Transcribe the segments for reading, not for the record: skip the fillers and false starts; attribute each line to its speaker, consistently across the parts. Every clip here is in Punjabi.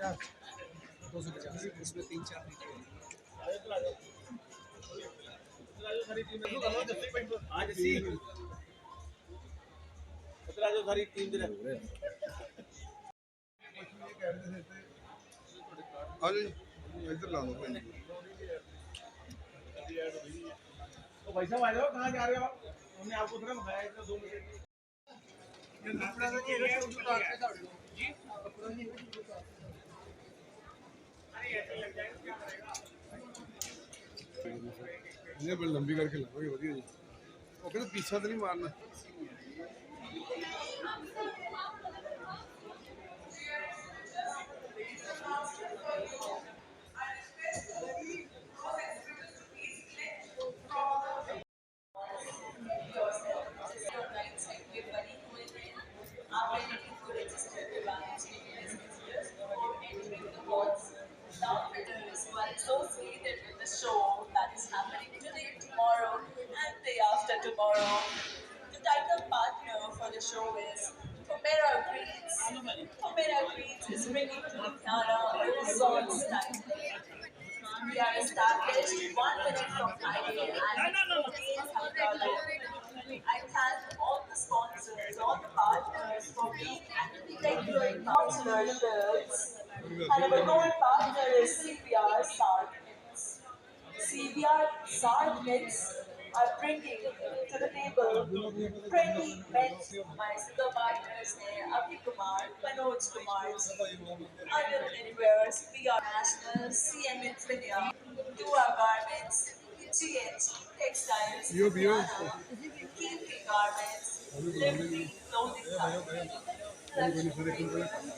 Speaker 1: 250 उसमें 3-4 मीटर सारी टीम दे
Speaker 2: हाँ जी इधर ला दो भाई
Speaker 3: भाई साहब आ जाओ कहाँ जा रहे हो आप हमने आपको थोड़ा बताया इतना 2 मिनट जी
Speaker 2: इन्हें बड़ी लंबी करके लाओगे वधिया जी वो कहते पीछा तो नहीं मारना
Speaker 4: associated with the show that is happening today, tomorrow, and day after tomorrow. The title partner for the show is Pomera Greens. Pomera Greens is bringing to Ludhiana a resort style. We are established 1 minute from highway and contains Hamdala. I thank all the sponsors, all the partners for being regular partnerships. And our gold partner is CPR Sard Knits. CPR Sard Knits are bringing to the table 20 men's. My sister partners are Abhi Kumar, Manoj Kumar, Anil Knitwears, PR National, CM Infinia, Dua Garments, GH Textiles, Ludhiana, Keeping Garments, Liberty Clothing Company, Lakshmi.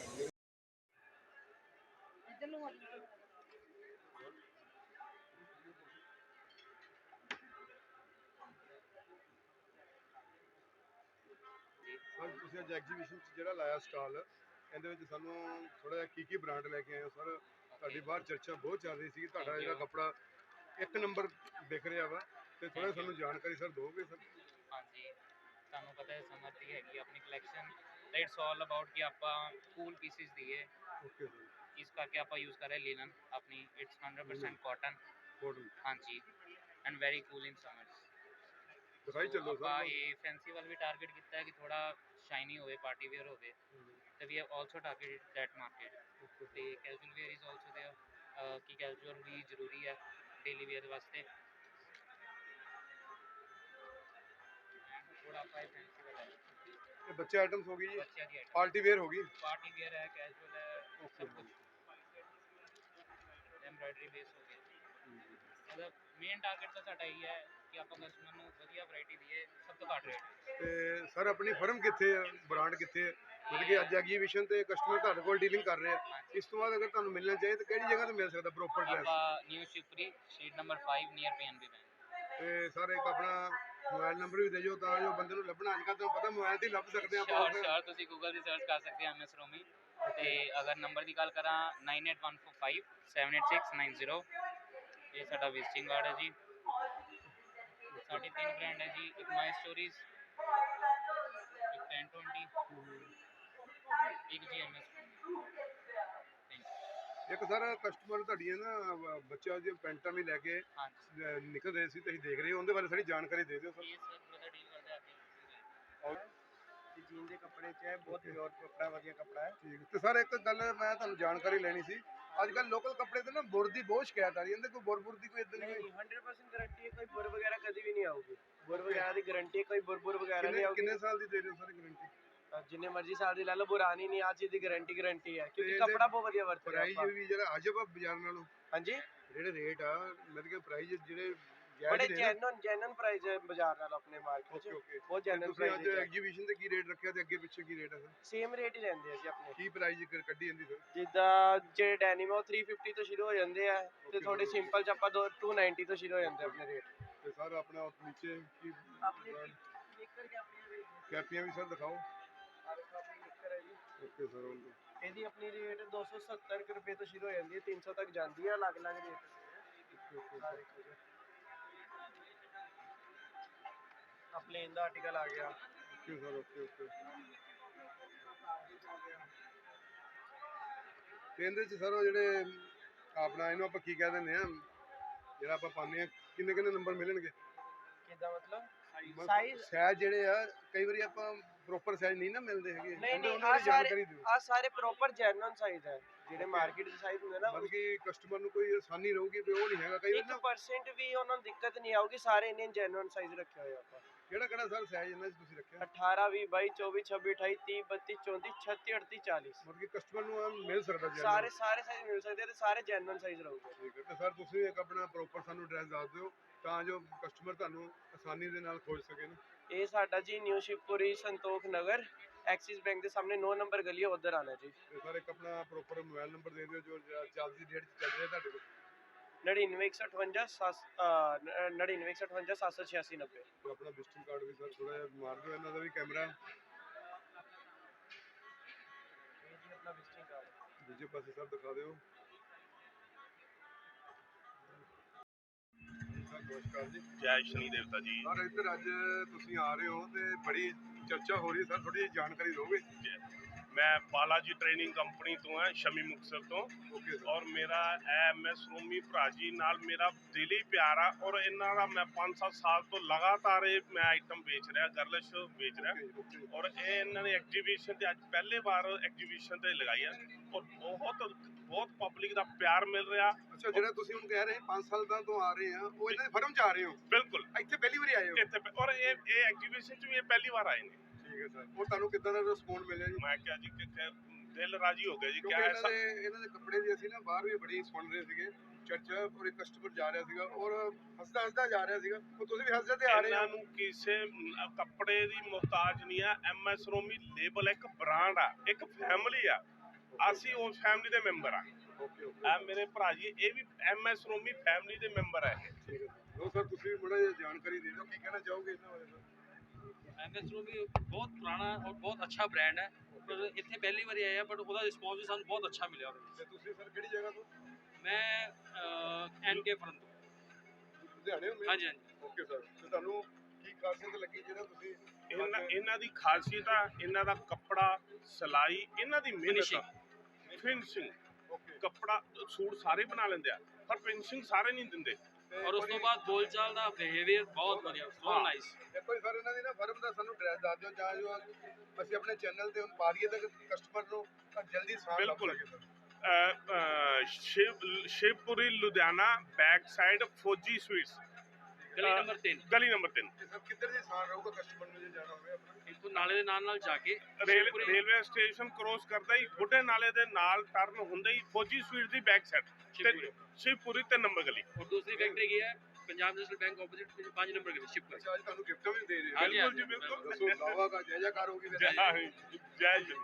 Speaker 2: Sir ਤੁਸੀਂ ਅੱਜ ਐਗਜੀਬਿਸ਼ਨ 'ਚ ਜਿਹੜਾ ਲਾਇਆ ਸਟਾਲ ਇਹਦੇ ਵਿੱਚ ਸਾਨੂੰ ਥੋੜਾ ਜਿਹਾ ਕੀ ਬ੍ਰਾਂਡ ਲੈ ਕੇ ਆਏ ਹੋ ਸਰ ਤੁਹਾਡੀ ਬਾਹਰ ਚਰਚਾ ਬਹੁਤ ਚੱਲ ਰਹੀ ਸੀ ਤੁਹਾਡਾ ਜਿਹੜਾ ਕੱਪੜਾ 1 ਨੰਬਰ ਵਿਕ ਰਿਹਾ ਵਾ ਤੇ ਥੋੜਾ ਸਾਨੂੰ ਜਾਣਕਾਰੀ ਸਰ ਦੋਗੇ ਸਰ
Speaker 5: ਹਾਂਜੀ ਤੁਹਾਨੂੰ ਪਤਾ ਹੈ ਸਮਰ ਦੀ ਹੈਗੀ ਆਪਣੀ ਕਲੈਕਸ਼ਨ ਇਟਸ ਆਲ ਅਬਾਊਟ ਕਿ ਆਪਾਂ ਕੂਲ ਪੀਸਿਸ ਦੀਏ
Speaker 2: ਓਕੇ ਸਰ
Speaker 5: ਇਸ ਕਰਕੇ ਆਪਾਂ ਯੂਜ਼ ਕਰ ਰਹੇ ਲਿਨਨ ਆਪਣੀ ਇਟਸ 100% ਕਾਟਨ ਹਾਂਜੀ and very cool in summers
Speaker 2: ਦਿਖਾਈ ਚੱਲੋ
Speaker 5: ਆਪਾਂ
Speaker 2: ਸਰ
Speaker 5: ਇਹ ਫੈਂਸੀ ਵੱਲ ਵੀ ਟਾਰਗੇਟ ਕੀਤਾ ਹੈ ਕਿ ਥੋੜਾ ਸ਼ਾਈਨੀ ਹੋਵੇ ਪਾਰਟੀ ਵੇਅਰ ਹੋਵੇ ਤੇ we have also targeted that market ਤੇ casual wear is also there ਕਿ ਕੈਜੂਅਲ ਵੀ ਜ਼ਰੂਰੀ ਹੈ ਡੇਲੀ ਵੇਅਰ ਵਾਸਤੇ ਥੋੜਾ ਆਪਾਂ ਫੈਂਸੀ ਵਾਲਾ
Speaker 2: ਇਹ ਬੱਚੇ ਆਈਟਮਸ ਹੋ ਗਈ ਜੀ
Speaker 5: ਬੱਚਿਆਂ ਦੀ ਆਈਟਮ
Speaker 2: ਪਾਰਟੀ ਵੇਅਰ ਹੋ ਗਈ
Speaker 5: ਪਾर्टी वेयर है कैजुअल है सब कुछ एम्ब्रॉयडरी बेस हो गया मतलब मेन टारगेट तो साਡਾ ਇਹੀ ਹੈ ਕਿ ਆਪਾਂ ਕਸਟਮਰ ਨੂੰ ਵਧੀਆ ਵੈਰਾਈਟੀ ਦਈਏ ਸਭ ਤੋਂ ਘੱਟ ਰੇਟ
Speaker 2: ਤੇ ਸਰ ਆਪਣੀ ਫਰਮ ਕਿੱਥੇ ਹੈ ਬ੍ਰਾਂਡ ਕਿੱਥੇ ਹੈ ਮਤਲਬ ਕਿ ਅੱਜ ਐਗਜੀਬਿਸ਼ਨ ਤੇ ਕਸਟਮਰ ਤੁਹਾਡੇ ਕੋਲ ਡੀਲਿੰਗ ਕਰ ਰਹੇ ਆ ਇਸ ਤੋਂ ਬਾਅਦ ਅਗਰ ਤੁਹਾਨੂੰ ਮਿਲਣਾ ਚਾਹੀਏ ਤਾਂ ਕਿਹੜੀ ਜਗ੍ਹਾ ਤੇ ਮਿਲ ਸਕਦਾ ਪ੍ਰੋਪਰ ਐਡਰੈਸ
Speaker 5: ਆਪਾਂ new Shivpuri street number 5 near PNB bank
Speaker 2: ਤੇ ਸਰ ਇੱਕ ਆਪਣਾ ਮੋਬਾਈਲ ਨੰਬਰ ਵੀ ਦੇ ਦਿਓ ਤਾਂ ਜੋ ਬੰਦੇ ਨੂੰ ਲੱਭਣਾ ਅੱਜ ਕੱਲ੍ਹ ਤੁਹਾਨੂੰ ਪਤਾ ਮੋਬਾਈਲ ਤੇ ਹੀ ਲੱਭ ਸਕਦੇ ਆਪਾਂ
Speaker 5: ਸ਼ੋਰ ਤੁਸੀਂ ਗੂਗਲ ਤੇ ਸਰਚ ਕਰ ਸਕਦੇ ਹੋ ਐਮਐਸ ਰੋਮੀ ਤੇ ਅਗਰ ਨੰਬਰ ਦੀ ਗੱਲ ਕਰਾਂ 9814578690 ਇਹ ਸਾਡਾ ਵਿਜ਼ਿਟਿੰਗ ਕਾਰਡ ਹੈ ਜੀ ਸਾਡੇ 3 ਬ੍ਰਾਂਡ ਹੈ ਜੀ ਇੱਕ ਮਾਈ ਸਟੋਰੀਜ਼ ਇੱਕ 1020 ਇੱਕ ਜੀ ਐਮਐਸ
Speaker 2: ਇੱਕ ਸਰ ਕਸਟਮਰ ਤੁਹਾਡੀਆਂ ਨਾ ਬੱਚਿਆਂ ਦੀਆਂ ਪੈਂਟਾਂ ਵੀ ਲੈ ਕੇ ਨਿਕਲ ਰਹੇ ਸੀ ਤੁਸੀਂ ਦੇਖ ਰਹੇ ਹੋ ਉਹਦੇ ਬਾਰੇ ਸਾਰੀ ਜਾਣਕਾਰੀ ਦੇ ਦਿਓ ਸਰ
Speaker 5: ਇਹ ਸਰ ਬ੍ਰਦਰ ਡੀਲ ਕਰਦੇ ਆ
Speaker 3: ਜੀਨ ਦੇ ਕੱਪੜੇ 'ਚ ਹੈ ਬਹੁਤ ਪਿਓਰ ਕੱਪੜਾ ਵਧੀਆ ਕੱਪੜਾ ਹੈ
Speaker 2: ਠੀਕ ਤੇ ਸਰ ਇੱਕ ਗੱਲ ਮੈਂ ਤੁਹਾਨੂੰ ਜਾਣਕਾਰੀ ਲੈਣੀ ਸੀ ਅੱਜ ਕੱਲ੍ਹ ਲੋਕਲ ਕੱਪੜੇ ਤੇ ਨਾ ਬੁਰ ਦੀ ਬਹੁਤ ਸ਼ਿਕਾਇਤ ਆ ਰਹੀ ਹੈ ਕੋਈ ਬੁਰ ਦੀ ਕੋਈ ਇਦਾਂ
Speaker 3: ਨਹੀਂ 100% ਗਾਰੰਟੀ ਹੈ ਕੋਈ ਬੁਰ ਵਗੈਰਾ ਕਦੀ ਵੀ ਨਹੀਂ ਆਊਗੀ ਬੁਰ ਵਗੈਰਾ ਦੀ ਗਾਰੰਟੀ ਕੋਈ ਬੁਰ ਵਗੈਰਾ ਨਹੀਂ ਆਊਗੀ
Speaker 2: ਕਿੰਨੇ ਸਾਲ ਦੀ ਦੇ ਰਹੇ ਹੋ ਸਰ ਗਾਰੰਟੀ
Speaker 3: ਜਿੰਨੇ ਮਰਜ਼ੀ ਸਾਲ ਦੀ ਲੈ ਲਓ ਪੁਰਾਣੀ ਨਹੀਂ ਆ ਚੀਜ਼ ਦੀ ਗਾਰੰਟੀ ਹੈ ਕਿਉਂਕਿ ਕੱਪੜਾ ਬਹੁਤ ਵਧੀਆ ਵਰਤ ਰਿਹਾ
Speaker 2: ਪ੍ਰਾਈਸ ਵੀ ਜਿਹੜਾ ਅਜਬ ਬਾਜ਼ਾਰ ਨਾਲੋਂ
Speaker 3: ਹਾਂਜੀ
Speaker 2: ਜਿਹੜੇ ਰੇਟ ਆ ਮਤਲਬ ਕਿ ਪ੍ਰਾਈਸ ਜਿਹੜੇ
Speaker 3: ਬੜੇ ਜੈਨੂਨ ਪ੍ਰਾਈਸ ਹੈ ਬਾਜ਼ਾਰ ਨਾਲ ਆਪਣੇ ਮਾਰਕੀਟ 'ਚ ਬਹੁਤ ਜੈਨੂਨ ਪ੍ਰਾਈਸ ਹੈ।
Speaker 2: ਤੁਸੀਂ ਅੱਜ ਐਗਜੀਬਿਸ਼ਨ ਤੇ ਕੀ ਰੇਟ ਰੱਖਿਆ ਤੇ ਅੱਗੇ ਪਿੱਛੇ ਕੀ ਰੇਟ ਹੈ ਸਰ
Speaker 3: ਸੇਮ ਰੇਟ ਹੀ ਰਹਿੰਦੇ ਆ ਜੀ ਆਪਣੇ
Speaker 2: ਕੀ ਪ੍ਰਾਈਸ ਕੱਢੀ ਜਾਂਦੀ ਸਰ
Speaker 3: ਜਿੱਦਾਂ ਜਿਹੜੇ ਡੈਨਿਮ ਉਹ 350 ਤੋਂ ਸ਼ੁਰੂ ਹੋ ਜਾਂਦੇ ਆ ਤੇ ਥੋੜੇ ਸਿੰਪਲ ਚ ਆਪਾਂ 290 ਤੋਂ ਸ਼ੁਰੂ ਹੋ ਜਾਂਦੇ ਆਪਣੇ ਰੇਟ
Speaker 2: ਤੇ ਸਰ ਆਪਣਾ ਨੀਚੇ ਕੀ ਕੈਪੀਆਂ ਵੀ ਸਰ ਦਿਖਾਓ ਓਕੇ ਸਰ
Speaker 3: ਇਹਦੀ ਆਪਣੀ ਰੇਟ 270 ਰੁਪਏ ਤੋਂ ਸ਼ੁਰੂ ਹੋ ਜਾਂਦੀ ਹੈ 300 ਤੱਕ ਜਾਂਦੀ ਹੈ ਅਲੱਗ-ਅਲੱਗ ਰੇਟ ਆ ਪਲੇਨ ਦਾ ਆਰਟੀਕਲ ਆ ਗਿਆ
Speaker 2: ਓਕੇ ਸਰ ਓਕੇ ਤੇ ਇਹਦੇ ਚ ਸਰ ਉਹ ਜਿਹੜੇ ਆਪਣਾ ਇਹਨੂੰ ਆਪਾਂ ਕੀ ਕਹਿ ਦਿੰਦੇ ਆ, ਜਿਹੜਾ ਆਪਾਂ ਪਾਉਂਦੇ ਆ, ਕਿੰਨੇ ਕਿੰਨੇ ਨੰਬਰ ਮਿਲਣਗੇ?
Speaker 3: ਕਿੱਦਾਂ ਮਤਲਬ
Speaker 2: ਬਸ
Speaker 3: ਸਾਈਜ਼?
Speaker 2: ਸਾਈਜ਼ ਜਿਹੜੇ ਆ ਕਈ ਵਾਰੀ ਆਪਾਂ ਪ੍ਰੋਪਰ ਸਾਈਜ਼ ਨਹੀਂ ਨਾ ਮਿਲਦੇ ਹੈਗੇ,
Speaker 3: ਨਹੀਂ ਨਹੀਂ,
Speaker 2: ਉਹਨਾਂ ਦੀ ਜਾਣਕਾਰੀ ਦਿਓ।
Speaker 3: ਆ ਸਾਰੇ ਪ੍ਰੋਪਰ ਜੈਨੂਇਨ ਸਾਈਜ਼ ਹੈ, ਜਿਹੜੇ ਮਾਰਕੀਟ ਦੇ ਸਾਈਜ਼ ਹੁੰਦੇ ਨਾ।
Speaker 2: ਮਤਲਬ ਕਿ ਕਸਟਮਰ ਨੂੰ ਕੋਈ ਆਸਾਨੀ ਰਹੂਗੀ ਵੀ ਉਹ ਨਹੀਂ ਹੈਗਾ ਕਈ ਵਾਰੀ ਨਾ।
Speaker 3: 1% ਵੀ ਉਹਨਾਂ ਨੂੰ ਦਿੱਕਤ ਨਹੀਂ ਆਊਗੀ, ਸਾਰੇ ਇੰਨੇ ਜੈਨੂਇਨ ਸਾਈਜ਼ ਰੱਖੇ ਹੋਏ ਆਪਾਂ।
Speaker 2: ਕਿਹੜਾ ਕਿਹੜਾ ਸਰ ਸਾਈਜ਼ ਇਹਨਾਂ 'ਚ ਤੁਸੀਂ ਰੱਖਿਆ?
Speaker 3: 18 20 22 24 26 28 30 32 34 36 38 40।
Speaker 2: ਮਤਲਬ ਕਿ ਕਸਟਮਰ ਨੂੰ ਆ ਮਿਲ ਸਕਦਾ ਜੀ?
Speaker 3: ਸਾਰੇ ਸਾਈਜ਼ ਮਿਲ ਸਕਦੇ ਆ ਤੇ ਸਾਰੇ ਜੈਨੂਇਨ ਸਾਈਜ਼ ਰਹੂਗੇ।
Speaker 2: ਠੀਕ ਹੈ, ਤੇ ਸਰ ਤੁਸੀਂ ਇੱਕ ਆਪਣਾ ਪ੍ਰੋਪਰ ਸਾਨੂੰ ਐਡਰੈਸ ਦੱਸ ਦਿਓ ਤਾਂ ਜੋ ਕਸਟਮਰ ਤੁਹਾਨੂੰ ਆਸਾਨੀ ਦੇ ਨਾਲ ਖੋਜ ਸਕੇ ਨਾ।
Speaker 3: ਇਹ ਸਾਡਾ ਜੀ new Shivpuri Santokh Nagar, Axis bank ਦੇ ਸਾਹਮਣੇ 9 ਨੰਬਰ ਗਲੀ ਹੈ, ਉਧਰ ਆਣਾ ਜੀ।
Speaker 2: ਤੇ ਸਰ ਇੱਕ ਆਪਣਾ ਪ੍ਰੋਪਰ ਮੋਬਾਈਲ ਨੰਬਰ ਦੇ ਦਿਓ ਜੋ ਚੱਲਦੀ ਡੇਟ 'ਚ ਚੱਲ ਰਿਹਾ ਤੁਹਾਡੇ ਕੋਲ।
Speaker 3: 99 158 786 90।
Speaker 2: ਤੇ ਆਪਣਾ ਵਿਜ਼ਿਟਿੰਗ ਕਾਰਡ ਵੀ ਸਰ ਥੋੜਾ ਜਿਹਾ ਮਾਰ ਦਿਓ, ਇਹਨਾਂ ਦਾ ਵੀ ਕੈਮਰਾ
Speaker 3: ਇਹ ਜੀ ਆਪਣਾ ਵਿਜ਼ਿਟਿੰਗ ਕਾਰਡ।
Speaker 2: ਦੂਜੇ ਪਾਸੇ ਸਰ ਦਿਖਾ ਦਿਓ। ਸਰ ਨਮਸਕਾਰ ਜੀ।
Speaker 6: ਜੈ ਸ਼ਨੀ ਦੇਵਤਾ ਜੀ।
Speaker 2: ਸਰ ਇੱਧਰ ਅੱਜ ਤੁਸੀਂ ਆ ਰਹੇ ਹੋ ਤੇ ਬੜੀ ਚਰਚਾ ਹੋ ਰਹੀ ਹੈ, ਸਰ ਥੋੜੀ ਜਿਹੀ ਜਾਣਕਾਰੀ ਦਿਓਗੇ?
Speaker 6: ਮੈਂ ਬਾਲਾਜੀ ਟ੍ਰੇਨਿੰਗ ਕੰਪਨੀ ਤੋਂ ਹਾਂ, ਸ਼ਮੀ ਮੁਕਤਸਰ ਤੋਂ।
Speaker 2: Okay sir.
Speaker 6: ਔਰ ਮੇਰਾ MS ਰੋਮੀ ਭਰਾ ਜੀ ਨਾਲ ਮੇਰਾ ਦਿਲੀ ਪਿਆਰ ਆ, ਔਰ ਇਹਨਾਂ ਦਾ ਮੈਂ 5-7 ਸਾਲ ਤੋਂ ਲਗਾਤਾਰ ਇਹ ਮੈਂ ਆਈਟਮ ਵੇਚ ਰਿਹਾ, ਗਰਲਿਸ਼ ਵੇਚ ਰਿਹਾ।
Speaker 2: ਓਕੇ।
Speaker 6: ਔਰ ਇਹ ਇਹਨਾਂ ਨੇ ਐਗਜੀਬਿਸ਼ਨ ਤੇ ਅੱਜ ਪਹਿਲੇ ਵਾਰ ਐਗਜੀਬਿਸ਼ਨ ਤੇ ਲਗਾਈ ਆ, ਔਰ ਬਹੁਤ ਪਬਲਿਕ ਦਾ ਪਿਆਰ ਮਿਲ ਰਿਹਾ।
Speaker 2: ਅੱਛਾ, ਜਿਹੜਾ ਤੁਸੀਂ ਹੁਣ ਕਹਿ ਰਹੇ 5 ਸਾਲ ਤੋਂ ਆ ਰਹੇ ਆ, ਉਹ ਇਹਨਾਂ ਦੇ ਫਰਮ 'ਚ ਆ ਰਹੇ ਹੋ?
Speaker 6: ਬਿਲਕੁਲ
Speaker 2: ਇੱਥੇ ਪਹਿਲੀ ਵਾਰੀ ਆਏ ਹੋ?
Speaker 6: ਇੱਥੇ ਔਰ ਇਹ ਐਗਜੀਬਿਸ਼ਨ 'ਚ ਵੀ ਇਹ ਪਹਿਲੀ ਵਾਰ ਆਏ ਨੇ।
Speaker 2: ਠੀਕ ਹੈ ਸਰ। ਉਹ ਤੁਹਾਨੂੰ ਕਿੱਦਾਂ ਦਾ ਰਿਸਪੌਂਸ ਮਿਲਿਆ ਜੀ?
Speaker 6: ਮੈਂ ਕਿਹਾ ਜੀ ਕਿ ਦਿਲ ਰਾਜੀ ਹੋ ਗਿਆ ਜੀ।
Speaker 2: ਕਿਉਂਕਿ
Speaker 6: ਕਿਆ
Speaker 2: ਇਹਨਾਂ ਦੇ ਕੱਪੜੇ ਦੀ ਅਸੀਂ ਨਾ ਬਾਹਰ ਵੀ ਬੜੀ ਸੁਣ ਰਹੇ ਸੀਗੇ ਚਰਚਾ, ਔਰ ਇੱਕ ਕਸਟਮਰ ਜਾ ਰਿਹਾ ਸੀਗਾ ਔਰ ਹੱਸਦਾ ਜਾ ਰਿਹਾ ਸੀਗਾ, ਉਹ ਤੁਸੀਂ ਵੀ ਹੱਸਦੇ ਤੇ ਆ ਰਹੇ
Speaker 6: ਇਹਨਾਂ
Speaker 2: ਹੋ।
Speaker 6: ਨੂੰ ਕਿਸੇ ਕੱਪੜੇ ਦੀ ਮੁਹਤਾਜ ਨਹੀਂ ਆ। MS ਰੋਮੀ ਲੇਬਲ ਇੱਕ ਬ੍ਰਾਂਡ ਆ, ਇੱਕ ਫੈਮਿਲੀ ਆ, ਅਸੀਂ ਉਸ ਫੈਮਿਲੀ ਦੇ ਮੈਂਬਰ ਆ।
Speaker 2: Okay okay.
Speaker 6: ਆ ਮੇਰੇ ਭਰਾ ਜੀ ਇਹ ਵੀ MS ਰੋਮੀ ਫੈਮਿਲੀ ਦੇ ਮੈਂਬਰ ਆ।
Speaker 2: ਠੀਕ ਹੈ ਲੋ ਸਰ, ਤੁਸੀਂ ਬੜਾ ਜਿਹਾ ਜਾਣਕਾਰੀ ਦੇ ਦਿਓ, ਕੀ ਕਹਿਣਾ ਚਾਹੋਗੇ ਇਹਨਾਂ ਬਾਰੇ ਸਰ?
Speaker 7: MS ਰੋਮੀ ਬਹੁਤ ਪੁਰਾਣਾ ਔਰ ਬਹੁਤ ਅੱਛਾ ਬ੍ਰਾਂਡ ਹੈ, ਪਰ ਇੱਥੇ ਪਹਿਲੀ ਵਾਰੀ ਆਇਆ, ਬਟ ਉਹਦਾ ਰਿਸਪੌਂਸ ਵੀ ਸਾਨੂੰ ਬਹੁਤ ਅੱਛਾ ਮਿਲਿਆ ਉਹਦੇ
Speaker 2: ਤੇ ਤੁਸੀਂ ਸਰ ਕਿਹੜੀ ਜਗ੍ਹਾ ਤੋਂ?
Speaker 7: ਵਿੱਚ। ਮੈਂ NK ਫਰਨ ਤੋਂ।
Speaker 2: ਲੁਧਿਆਣੇ ਹੋ?
Speaker 7: ਹਾਂਜੀ ਹਾਂਜੀ।
Speaker 2: Okay sir. ਤੇ ਤੁਹਾਨੂੰ ਕੀ ਖਾਸੀਅਤ ਲੱਗੀ ਜਿਹੜਾ ਤੁਸੀਂ
Speaker 6: ਇਹਨਾਂ ਦੀ ਖਾਸੀਅਤ ਆ, ਇਹਨਾਂ ਦਾ ਕੱਪੜਾ, ਸਿਲਾਈ, ਇਹਨਾਂ ਦੀ ਮਿਹਨਤ, ਫਿਨਿਸ਼ਿੰਗ।
Speaker 2: ਓਕੇ।
Speaker 6: ਕੱਪੜਾ ਸੂਟ ਸਾਰੇ ਬਣਾ ਲੈਂਦੇ ਆ, ਪਰ ਫਿਨਿਸ਼ਿੰਗ ਸਾਰੇ ਨਹੀਂ ਦਿੰਦੇ।
Speaker 7: ਔਰ ਉਸ ਤੋਂ ਬਾਅਦ ਬੋਲਚਾਲ ਦਾ ਬਿਹੇਵੀਅਰ ਬਹੁਤ ਵਧੀਆ, ਸੋ ਨਾਈਸ।
Speaker 2: ਦੇਖੋ ਜੀ ਸਰ, ਇਹਨਾਂ ਦੀ ਨਾ ਫਰਮ ਦਾ ਸਾਨੂੰ ਐਡਰੈਸ ਦੱਸ ਦਿਓ ਜਾਂ ਜੋ ਅਸੀਂ ਆਪਣੇ ਚੈਨਲ ਤੇ ਪਾ ਦਈਏ ਤਾਂ ਕਸਟਮਰ ਨੂੰ ਤਾਂ ਜਲਦੀ ਸਾਹ ਲੱਗ
Speaker 6: ਬਿਲਕੁਲ।
Speaker 2: ਸਕੇ sir.
Speaker 6: Shivpuri Ludhiana, back side Fauji sweets,
Speaker 7: ਗਲੀ ਨੰਬਰ 3।
Speaker 6: ਗਲੀ ਨੰਬਰ 3।
Speaker 2: ਤੇ ਸਰ ਕਿੱਧਰ ਦੀ ਸਾਹ ਰਹੂਗਾ ਕਸਟਮਰ ਨੂੰ ਜੇ ਜਾਣਾ ਹੋਵੇ ਆਪਣਾ?
Speaker 7: ਇੱਥੋਂ ਨਾਲੇ ਦੇ ਨਾਲ ਜਾ ਕੇ ਸ਼ਿਵਪੁਰੀ-
Speaker 6: ਰੇਲਵੇ ਸਟੇਸ਼ਨ ਕ੍ਰੋਸ ਕਰਦਾ ਹੀ ਬੁੱਢੇ ਨਾਲੇ ਦੇ ਨਾਲ ਟਰਨ ਹੁੰਦਾ ਹੀ ਫੌਜੀ ਸਵੀਟ ਦੀ back side
Speaker 7: Shivpuri.
Speaker 6: Shivpuri 3 number ਗਲੀ।
Speaker 7: ਔਰ ਦੂਸਰੀ ਫੈਕਟਰੀ ਕੀ ਹੈ, Punjab national bank opposite 5 number ਗਲੀ ਸ਼ਿਵਪੁਰੀ।
Speaker 2: ਅੱਛਾ, ਅੱਜ ਤੁਹਾਨੂੰ ਗਿਫਟ ਵੀ ਦੇ ਰਹੇ ਹੋ?
Speaker 7: ਹਾਂਜੀ,
Speaker 6: ਬਿਲਕੁਲ ਜੀ,
Speaker 7: ਹਾਂਜੀ,
Speaker 6: ਬਿਲਕੁਲ।
Speaker 2: ਦੱਸੋ ਲਾਵਾ ਦਾ ਜੈ ਜੈਕਾਰ ਹੋਗੀ ਫਿਰ?
Speaker 6: ਜੈ ਜੀ।